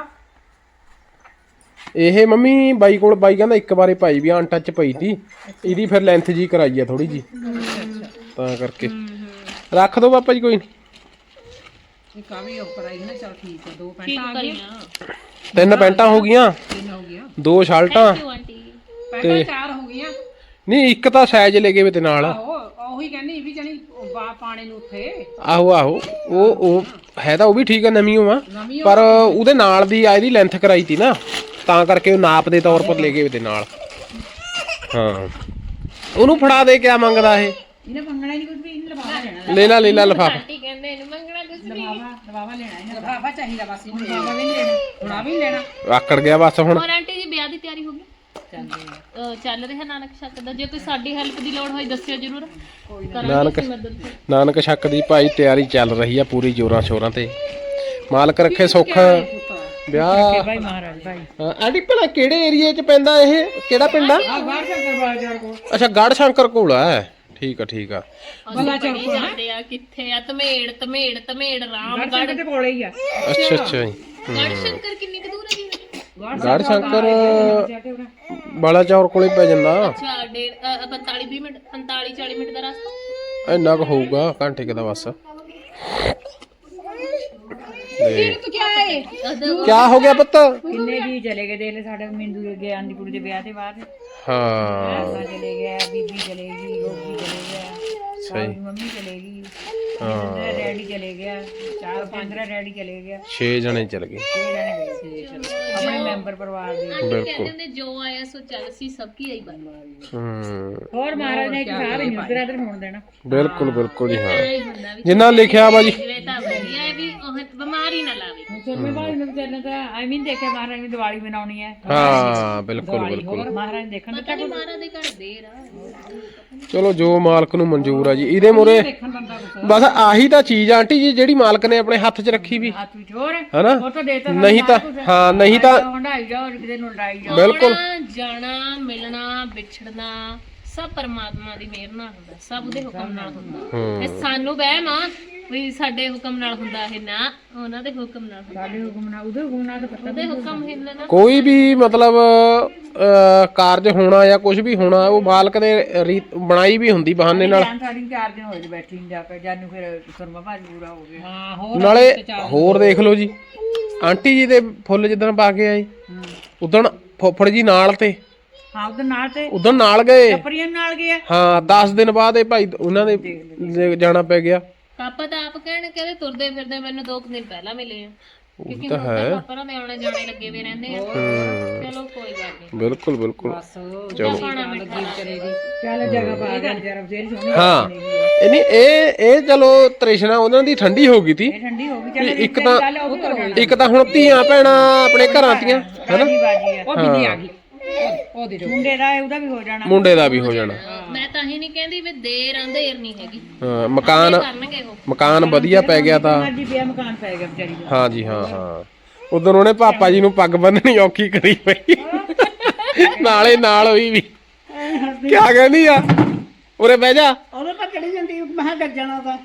A: ਇਹ ਮੰਮੀ ਬਾਈ ਕੋਲ ਬਾਈ ਕਹਿੰਦਾ ਇੱਕ ਵਾਰੇ ਪਾਈ ਵੀ ਅਨਟੱਚ ਪਈ ਤੀ ਇਹਦੀ ਫਿਰ ਲੈਂਥ ਜੀ ਕਰਾਈ ਆ ਥੋੜੀ ਜੀ ਤਾਂ ਕਰਕੇ ਰੱਖ ਦੋ ਪਾਪਾ ਜੀ ਕੋਈ ਨਹੀਂ
D: ਇੱਕ ਆ ਵੀ ਉੱਪਰ ਆਈ ਨਾ ਚਲ ਠੀਕ ਹੈ ਦੋ
B: ਠੀਕ
D: ਪੈਂਟਾਂ ਆ ਗਈਆਂ
B: ਕਰੀਆਂ
A: ਤਿੰਨ ਪੈਂਟਾਂ ਹੋ ਗਈਆਂ
D: ਤਿੰਨ ਹੋ ਗਈਆਂ
A: ਦੋ ਸ਼ਰਟਾਂ
B: ਕਿਉਂ ਆਂਟੀ
D: ਪੈਂਟਾਂ ਚਾਰ ਹੋ ਗਈਆਂ
A: ਨਹੀਂ ਇੱਕ ਤਾਂ ਸਾਈਜ਼ ਲੈ ਗਏ ਵੇ ਤੇ ਨਾਲ
D: ਉਹੀ ਕਹਿੰਦੀ ਵੀ ਜਣੀ ਪਾਣੇ ਨੂੰ ਉੱਥੇ
A: ਆਹੋ ਉਹ ਹੈ ਤਾਂ ਉਹ ਵੀ ਠੀਕ ਆ ਨਵੀਂ ਆ ਪਰ ਉਹਦੇ ਨਾਲ ਦੀ ਆ ਇਹਦੀ ਲੈਂਥ ਕਰਾਈ ਤੀ ਨਾ ਤਾਂ ਕਰਕੇ ਉਹ ਨਾਪ ਦੇ ਤੌਰ ਪਰ ਲੈ ਗਏ ਵੇ ਤੇ ਨਾਲ ਹਾਂ ਉਹਨੂੰ ਫੜਾ ਦੇ ਕਿਆ ਮੰਗਦਾ ਇਹ
D: ਇਹਨੇ ਮੰਗਣਾ ਨਹੀਂ ਕੁਝ ਵੀ ਇਹਨੇ ਲਫਾਫਾ ਲੈਣਾ
A: ਲੈ ਲਾ ਲਫਾਫਾ
B: ਆਂਟੀ ਕਹਿੰਦੇ ਇਹਨੂੰ ਮੰਗਣਾ ਕੁਛ ਨਹੀਂ
D: ਲਫਾਫਾ ਲੈਣਾ ਇਹਨੇ ਲਫਾਫਾ ਚਾਹੀਦਾ ਬਸ ਇਹਨੂੰ ਲਫਾਫਾ ਵੀ ਨਹੀਂ ਲੈਣਾ ਹੁਣ ਆ ਵੀ ਨਹੀਂ ਲੈਣਾ
A: ਆਕੜ ਗਿਆ ਬਸ ਹੁਣ
B: ਹੋਰ ਆਂਟੀ ਜੀ ਵਿਆਹ ਦੀ ਤਿਆਰੀ ਹੋ ਗਈ ਚੱਲ ਰਿਹਾ ਨਾਨਕ ਸ਼ੱਕ ਦਾ ਜੇ ਕੋਈ ਸਾਡੀ ਹੈਲਪ ਦੀ ਲੋੜ ਹੋਈ ਦੱਸਿਓ ਜਰੂਰ ਕਰਾਂਗੇ ਅਸੀਂ ਮਦਦ
A: ਨਾਨਕ ਸ਼ੱਕ ਦੀ ਭਾਈ ਤਿਆਰੀ ਚੱਲ ਰਹੀ ਆ ਪੂਰੀ ਜੋਰਾਂ ਸ਼ੋਰਾਂ ਤੇ ਮਾਲਕ ਰੱਖੇ ਸੁੱਖ ਵਿਆਹ
D: ਭਾਈ ਮਹਾਰਾਜ ਭਾਈ
A: ਆਂਟੀ ਭਲਾ ਕਿਹੜੇ ਏਰੀਏ 'ਚ ਪੈਂਦਾ ਇਹ ਕਿਹੜਾ ਪਿੰਡ ਆ
D: ਆ ਬਾਹਰ ਸ਼ੰਕਰ ਬਾਜ਼ਾਰ ਕੋਲ
A: ਅੱਛਾ ਗੜ ਸ਼ੰਕਰ ਕੋਲ ਆ ਠੀਕ ਆ
B: ਬਲਾ ਚੌਕ ਜਾਂਦੇ ਆ ਕਿੱਥੇ ਆ ਧਮੇੜ ਰਾਮਗੜ੍ਹ
D: ਦੇ ਕੋਲੇ ਹੀ ਆ
A: ਅੱਛਾ ਜੀ
B: ਗੜ ਸ਼ੰਕਰ ਕਿੰਨੀ ਕੁ ਦੂਰ ਹੈ ਜੀ
A: ਗੜ ਸ਼ੰਕਰ ਬਾਲਾ ਚੌਰ ਕੋਲੇ ਪੈ ਜਾਂਦਾ
B: ਅੱਛਾ 45 ਮਿੰਟ 40 ਮਿੰਟ ਦਾ ਰਸਤਾ
A: ਇੰਨਾ ਕੁ ਹੋਊਗਾ ਘੰਟੇ ਕੁ ਦਾ ਬਸ ਤੇ
D: ਤੂੰ ਕੀ ਆਏ
A: ਕਿਆ ਹੋ ਗਿਆ ਪੁੱਤ
D: ਕਿੰਨੇ ਜੀ ਚਲੇ ਗਏ ਦੇਖ ਲੈ ਸਾਡੇ ਮਿੰਦੂ ਦੇ ਗਿਆ ਆਂਦੀ ਕੁੜੀ ਦੇ ਵਿਆਹ ਤੇ ਬਾਅਦ
A: ਹਾਂ
D: ਪਾਪਾ ਚਲੇ ਗਿਆ ਬੀਬੀ ਚਲੇ ਗਈ ਗੋਗੀ ਚਲੇ ਗਿਆ
A: ਸਹੀ
D: ਮੰਮੀ ਚਲੇ ਗਈ
A: ਹਾਂ
D: ਡੈਡੀ ਚਲੇ ਗਿਆ 4-15 ਡੈਡੀ ਚਲੇ ਗਿਆ
A: 6 ਜਣੇ ਚਲ ਗਏ
D: 6 ਜਣੇ ਗਏ ਸੀ ਆਪਣੇ ਮੈਂਬਰ ਪਰਿਵਾਰ ਦੇ
B: ਕਹਿੰਦੇ ਹੁੰਦੇ ਜੋ ਆਇਆ ਸੋ ਚੱਲ ਸੀ ਸਭ ਕੀ ਆਈ ਬਾਤ
D: ਹੋਰ ਮਹਾਰਾਜ ਨੇ ਇੱਕ ਸਾਹ ਵੀ ਨਹੀਂ ਉਧਰ ਇਧਰ ਹੋਣ ਦੇਣਾ
A: ਬਿਲਕੁਲ ਜੀ ਹਾਂ
B: ਨਹੀਂ ਹੁੰਦਾ ਵੀ
A: ਜਿੰਨਾ ਲਿਖਿਆ ਵਾ ਜੀ
B: ਜਿਵੇਂ ਤਾਂ ਵਧੀਆ ਹੈ ਵੀ ਉਹ ਬਿਮਾਰੀ ਨਾ ਲਾਵੇ
D: ਸੁਰਮੇ ਭਾਈ ਨੂੰ ਵਿਚਾਰਨੇ ਤਾਂ ਆਈ ਮੀਨ ਦੇਖਿਆ ਮਹਾਰਾਜ ਨੇ ਦੀਵਾਲੀ ਮਨਾਉਣੀ ਹੈ
A: ਹਾਂ ਬਿਲਕੁਲ
D: ਹੋਰ ਮਹਾਰਾਜ ਨੇ ਦੇਖਣ
B: ਪਤਾ ਨਹੀਂ ਮਾਰਾ ਦੇ ਘਰ ਦੇਰ ਆ
A: ਚਲੋ ਜੋ ਮਾਲਕ ਨੂੰ ਮਨਜ਼ੂਰ ਆ ਜੀ ਇਹਦੇ ਮੂਰੇ
D: ਦੇਖਣ ਬੰਦਾ ਕੁਛ
A: ਬਸ ਆਹੀ ਤਾਂ ਚੀਜ਼ ਆ ਆਂਟੀ ਜੀ ਜਿਹੜੀ ਮਾਲਕ ਨੇ ਆਪਣੇ ਹੱਥ 'ਚ ਰੱਖੀ ਵੀ
D: ਹੱਥ ਵਿੱਚ ਹੋਰ
A: ਹਨਾ
D: ਉਹ ਤਾਂ ਦੇਤਾ
A: ਨਹੀਂ ਤਾਂ ਹਾਂ ਨਹੀਂ ਤਾਂ
D: ਹੰਡਾਈ ਜਾਓ ਕਿਤੇ ਨੂੰ ਲੜਾਈ ਜਾਓ
A: ਬਿਲਕੁਲ
B: ਆਉਣਾ, ਜਾਣਾ ਮਿਲਣਾ ਵਿਛੜਨਾ ਸਭ ਪਰਮਾਤਮਾ ਦੀ ਮਿਹਰ ਨਾਲ ਹੁੰਦਾ ਸਭ ਉਹਦੇ ਹੁਕਮ ਨਾਲ ਹੁੰਦਾ ਇਹ ਸਾਨੂੰ ਵਹਿਮ ਆ ਵੀ ਸਾਡੇ ਹੁਕਮ ਨਾਲ ਹੁੰਦਾ ਇਹ ਨਾ ਉਹਨਾਂ ਦੇ ਹੁਕਮ ਨਾਲ ਹੁੰਦਾ
D: ਸਾਡੇ ਹੁਕਮ ਨਾਲ ਉਹਦੇ ਹੁਕਮ ਨਾਲ ਤਾਂ ਪਤਾ
B: ਉਹਦੇ ਹੁਕਮ ਹਿੱਲਣਾ
A: ਕੋਈ ਵੀ ਮਤਲਬ ਕਾਰਜ ਹੋਣਾ ਜਾਂ ਕੁਝ ਵੀ ਹੋਣਾ ਉਹ ਮਾਲਕ ਨੇ ਬਣਾਈ ਵੀ ਹੁੰਦੀ ਬਹਾਨੇ ਨਾਲ
D: ਸਾਡੀ 4 ਦਿਨ ਹੋਏ ਬੈਠੀ ਨੂੰ ਜਾ ਕੇ ਜਾਨੂੰ ਫਿਰ ਸੁਰਮਾ ਭਾਜੀ ਪੂਰਾ ਹੋ ਗਿਆ ਹਾਂ ਹੋਰ
A: ਨਾਲੇ ਹੋਰ ਦੇਖ ਲਓ ਜੀ ਆਂਟੀ ਜੀ ਦੇ ਫੁੱਲ ਜਿੱਦਣ ਪਾ ਕੇ ਆਏ ਉਦਣ ਫੁੱਫੜ ਜੀ ਨਾਲ ਤੇ
D: ਹਾਂ ਉਹਦੇ ਨਾਲ ਤੇ
A: ਉਦੋਂ ਨਾਲ ਗਏ
D: ਪਰੀਆਂ ਨਾਲ ਗਿਆ
A: ਹਾਂ 10 ਦਿਨ ਬਾਅਦ ਇਹ ਭਾਈ ਉਹਨਾਂ ਦੇ ਜਾਣਾ ਪੈ ਗਿਆ
B: ਪਾਪਾ ਤਾਂ ਆਪ ਕਹਿੰਦੇ ਤੁਰਦੇ ਫਿਰਦੇ ਮੈਨੂੰ 2 ਦਿਨ ਪਹਿਲਾਂ ਮਿਲੇ ਆ ਕਿਉਂਕਿ ਹੁਣ ਤਾਂ ਪਾਪਾ ਦੇ ਆਉਣੇ ਜਾਣੇ ਲੱਗੇ ਵੀ ਰਹਿੰਦੇ ਆ ਚਲੋ ਕੋਈ ਗੱਲ ਨਹੀਂ
A: ਬਿਲਕੁਲ ਬਿਲਕੁਲ
B: ਚਲੋ ਖਾਣਾ ਮਿੱਠਾ
D: ਚੱਲ ਜਗ੍ਹਾ ਪਾ ਗਿਆ ਜਰਾ ਫੇਰ ਸੋਹਣੀ
A: ਹਾਂ ਇਹ ਨਹੀਂ ਇਹ ਚਲੋ ਤ੍ਰਿਸ਼ਨਾ ਉਹਨਾਂ ਦੀ ਠੰਡੀ ਹੋ ਗਈ ਤੀ
D: ਠੰਡੀ ਹੋ ਗਈ ਚੱਲ
A: ਇੱਕ ਤਾਂ ਇੱਕ ਤਾਂ ਹੁਣ ਧੀਆਂ ਭੈਣਾਂ ਆਪਣੇ ਘਰਾਂ ਦੀਆਂ ਹੈਨਾ
D: ਬਾਜੀ ਆ ਉਹ ਬਿੰਦੀ ਆ ਗਈ ਉਹ ਦੇ ਮੁੰਡੇ ਦਾ ਉਹਦਾ ਵੀ ਹੋ ਜਾਣਾ
A: ਮੁੰਡੇ ਦਾ ਵੀ ਹੋ ਜਾਣਾ
B: ਮੈਂ ਤਾਂ ਹੀ ਨਹੀਂ ਕਹਿੰਦੀ ਵੀ ਦੇਰ ਅੰਧੇਰ ਨਹੀਂ ਹੈਗੀ
A: ਹਾਂ ਮਕਾਨ
B: ਕਰਨਗੇ ਉਹ
A: ਮਕਾਨ ਵਧੀਆ ਪੈ ਗਿਆ ਤਾਂ
D: ਅੱਜ ਪਿਆ ਮਕਾਨ ਪੈ ਗਿਆ ਵਿਚਾਰੀ ਦਾ
A: ਹਾਂ ਜੀ ਹਾਂ ਹਾਂ ਉਦੋਂ ਉਹਨੇ ਪਾਪਾ ਜੀ ਨੂੰ ਪੱਗ ਬੰਨਣੀ ਔਖੀ ਕਰੀ ਪਈ ਨਾਲੇ ਨਾਲ ਹੋਈ ਵੀ ਕਿਆ ਕਹਿੰਦੀ ਆ ਉਰੇ ਬਹਿ ਜਾ
E: ਉਹਦੇ ਤਾਂ ਚੜੀ ਜਾਂਦੀ ਮੈਂ ਕਿਹਾ ਡਰ ਜਾਣਾ ਤਾਂ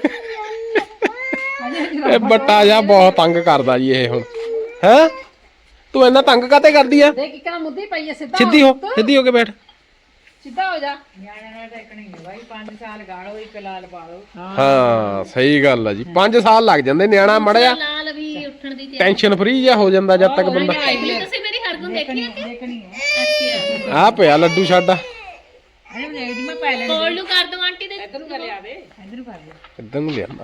A: ਇਹ ਬੱਟਾ ਜਿਹਾ ਬਹੁਤ ਤੰਗ ਕਰਦਾ ਜੀ ਇਹ ਹੁਣ ਹੈ ਤੂੰ ਇੰਨਾ ਤੰਗ ਕਾਤੇ ਕਰਦੀ ਆ
D: ਦੇਖ ਕਿਕਣਾ ਮੁੱਦੀ ਪਈ ਐ
A: ਸਿੱਧੀ ਹੋ ਕੇ ਬੈਠ
B: ਸਿੱਧਾ ਹੋ ਜਾ
D: ਨਿਆਣੇ ਨਾਲ ਟੈਕਣੀ ਹੈ ਬਾਈ 5 ਸਾਲ ਗਾੜੋ ਇੱਕ ਲਾਲ ਪਾਲੋ
A: ਹਾਂ ਸਹੀ ਗੱਲ ਆ ਜੀ 5 ਸਾਲ ਲੱਗ ਜਾਂਦੇ ਨਿਆਣਾ ਮੜਿਆ
B: ਲਾਲ ਵੀ ਉੱਠਣ ਦੀ
A: ਟੈਨਸ਼ਨ ਫਰੀ ਜਿਹਾ ਹੋ ਜਾਂਦਾ ਜਦ ਤੱਕ ਬੰਦਾ
B: ਤੁਸੀਂ ਮੇਰੀ ਹਰਗੁਣ ਦੇਖੀ ਹੈ
D: ਦੇਖਣੀ ਹੈ
B: ਅੱਛਾ
A: ਆ ਪਿਆ ਲੱਡੂ ਛੱਡ
D: ਅਰੇ ਦੇਖਦੀ ਮੈਂ ਪੈ ਲੈਣੀ
B: ਕੋਲ ਨੂੰ ਕਰ ਦੋ ਆਂਟੀ ਦੇ
D: ਇਧਰ ਨੂੰ ਕਰ ਲਿਆ ਦੇ ਇਧਰ ਨੂੰ ਕਰ ਲਿਆ
A: ਇੱਧਰ ਨੂੰ ਲਿਆਂਦਾ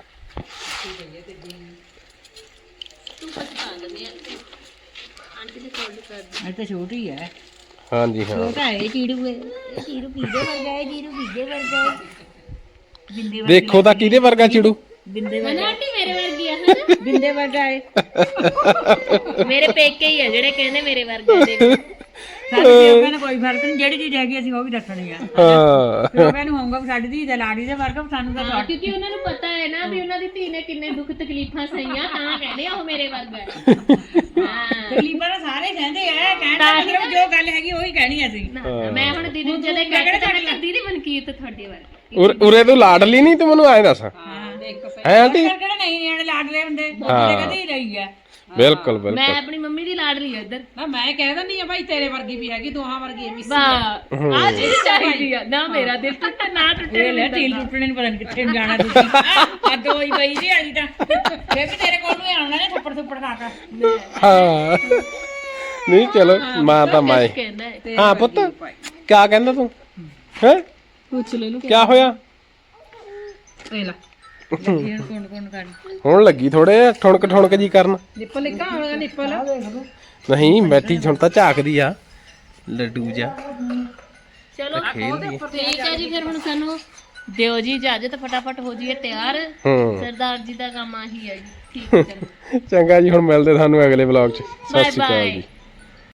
B: ਤੂੰ ਪਛਤਾਣ ਲੈਂਦੀ ਆ ਆਂਟੀ ਦੇ ਕੋਲ ਨੂੰ ਕਰ ਦੋ
D: ਇਹ ਤਾਂ ਛੋਟੀ ਹੈ
A: ਹਾਂਜੀ ਹਾਂ
D: ਛੋਟਾ ਹੈ ਚੀੜੂ ਹੈ ਚੀੜੂ ਪੀਦੇ ਵਰਗਾ ਹੈ ਚੀੜੂ ਪੀਦੇ ਵਰਗਾ ਹੈ ਬਿੰਦੇ
A: ਦੇਖੋ ਤਾਂ ਕਿਹਦੇ ਵਰਗਾ ਚਿੜੂ
D: ਬਿੰਦੇ
B: ਮਨਾ ਆਂਟੀ ਮੇਰੇ ਵਰਗੀ ਆ ਹਨਾ
D: ਬਿੰਦੇ ਵਰਗਾ ਹੈ
B: ਮੇਰੇ ਪੇਕੇ ਹੀ ਆ ਜਿਹੜੇ ਕਹਿੰਦੇ ਮੇਰੇ ਵਰਗਾ ਦੇਖ
D: ਸਾਡੇ ਪਿਓਕਾਂ ਨੂੰ ਕੋਈ ਫਰਕ ਨਹੀਂ ਜਿਹੜੀ ਚੀਜ਼ ਹੈਗੀ ਅਸੀਂ ਉਹ ਵੀ ਦੱਸਣੀ ਆ
A: ਹਾਂ
D: ਪਿਓਕਾਂ ਨੂੰ ਹੋਊਗਾ ਵੀ ਸਾਡੀ ਧੀ ਦਾ ਲਾੜੀ ਦੇ ਵਰਗਾ ਸਾਨੂੰ ਤਾਂ
B: ਹਾਂ, ਕਿਉਂਕਿ ਉਹਨਾਂ ਨੂੰ ਪਤਾ ਹੈ ਨਾ ਵੀ ਉਹਨਾਂ ਦੀ ਧੀ ਨੇ ਕਿੰਨੇ ਦੁੱਖ ਤਕਲੀਫਾਂ ਸਹੀਆਂ ਤਾਂ ਕਹਿੰਦੇ ਆ ਉਹ ਮੇਰੇ ਵਰਗਾ ਹੈ ਹਾਂ
D: ਤਕਲੀਫਾਂ ਤਾਂ ਸਾਰੇ ਕਹਿੰਦੇ ਆ ਕਹਿਣ ਦਾ ਮਤਲਬ ਜੋ ਗੱਲ ਹੈਗੀ ਉਹੀ ਕਹਿਣੀ ਅਸੀਂ
B: ਨਾ, ਮੈਂ ਹੁਣ ਦੀਦੀ ਨੂੰ ਜਦੋਂ ਕਹਿੰਦਾ ਦੀਦੀ ਮਨਕੀਰਤ ਤੁਹਾਡੇ ਵਰਗੀ
A: ਉਰੇ ਤੂੰ ਲਾਡਲੀ ਨਹੀਂ ਤੂੰ ਮੈਨੂੰ ਆਏ ਦੱਸ
D: ਹਾਂ ਦੇਖ
A: ਹੈ ਆਂਟੀ
D: ਕਿਹੜਾ ਨਹੀਂ ਨਿਆਣੇ ਲਾਡਲੇ ਹੁੰਦੇ ਉਹਦੇ ਕਦੇ ਹੀ ਰਹੀ ਆ
A: ਬਿਲਕੁਲ
B: ਮੈਂ
A: ਬਿਲਕੁਲ
B: ਆਪਣੀ ਮੰਮੀ ਦੀ ਲਾਡਲੀ ਆ ਇੱਧਰ
D: ਨਾ ਮੈਂ ਕਹਿ ਦਿੰਦੀ ਆ ਭਾਈ ਤੇਰੇ ਵਰਗੀ ਵੀ ਹੈਗੀ ਦੋਹਾਂ ਵਰਗੀ ਮਿੱਸੀ
B: ਵਾਹ ਆ ਚੀਜ਼ ਚਾਹੀਦੀ ਆ ਨਾ ਮੇਰਾ ਦਿਲ ਟੁੱਟੇ ਨਾ ਟੁੱਟੇ
D: ਇਹ ਲੈ ਢੀਲ ਟੁੱਟਣੇ ਨੂੰ ਪਤਾ ਨਹੀਂ ਕਿੱਥੇ ਨੂੰ ਜਾਣਾ ਤੁਸੀਂ ਆ ਦੋ ਹੀ ਪਈ ਦੀ ਵਾਲੀ ਤਾਂ ਫੇਰ ਵੀ ਤੇਰੇ ਕੋਲ ਨੂੰ ਹੀ ਆਉਣਾ ਨੇ ਥੱਪੜ ਥੁੱਪੜ ਖਾ ਕੇ
A: ਹਾਂ ਨਹੀਂ ਚਲੋ ਮਾਂ ਤਾਂ ਮਾਏ
B: ਕਹਿੰਦਾ ਹੈ
A: ਹਾਂ ਪੁੱਤ ਕਿਆ ਕਹਿੰਦਾ ਤੂੰ ਹੈ
B: ਪੁੱਛ ਲੈ ਲੂ
A: ਕਿਆ ਹੋਇਆ
D: ਇਹ ਲੈ ਲੱਗੀ ਹੁਣ ਕੋਣ ਕਰ
A: ਹੁਣ ਲੱਗੀ ਥੋੜੇ ਠੁਣਕ ਜੀ ਕਰਨ
D: ਨਿੱਪਲ ਲਿਖਾ ਹੋਣਾ ਨਿੱਪਲ
A: ਨਹੀਂ ਬੈਠੀ ਹੁਣ ਤਾਂ ਝਾਕਦੀ ਆ ਲੱਡੂ ਜਾ
B: ਚਲੋ ਠੀਕ ਹੈ ਜੀ ਫਿਰ ਹੁਣ ਸਾਨੂੰ ਦਿਓ ਜੀ ਇਜਾਜ਼ਤ ਫਟਾਫਟ ਹੋ ਜਾਈਏ ਤਿਆਰ
A: ਹੂੰ
B: ਸਰਦਾਰ ਜੀ ਦਾ ਕੰਮ ਆਹੀ ਹੈ ਜੀ ਠੀਕ ਹੈ ਚਲੋ
A: ਚੰਗਾ ਜੀ ਹੁਣ ਮਿਲਦੇ ਤੁਹਾਨੂੰ ਅਗਲੇ ਵਲੌਗ 'ਚ ਸਤਿ
B: ਬਾਏ
A: ਸ਼੍ਰੀ ਅਕਾਲ
B: ਬਾਏ
A: ਜੀ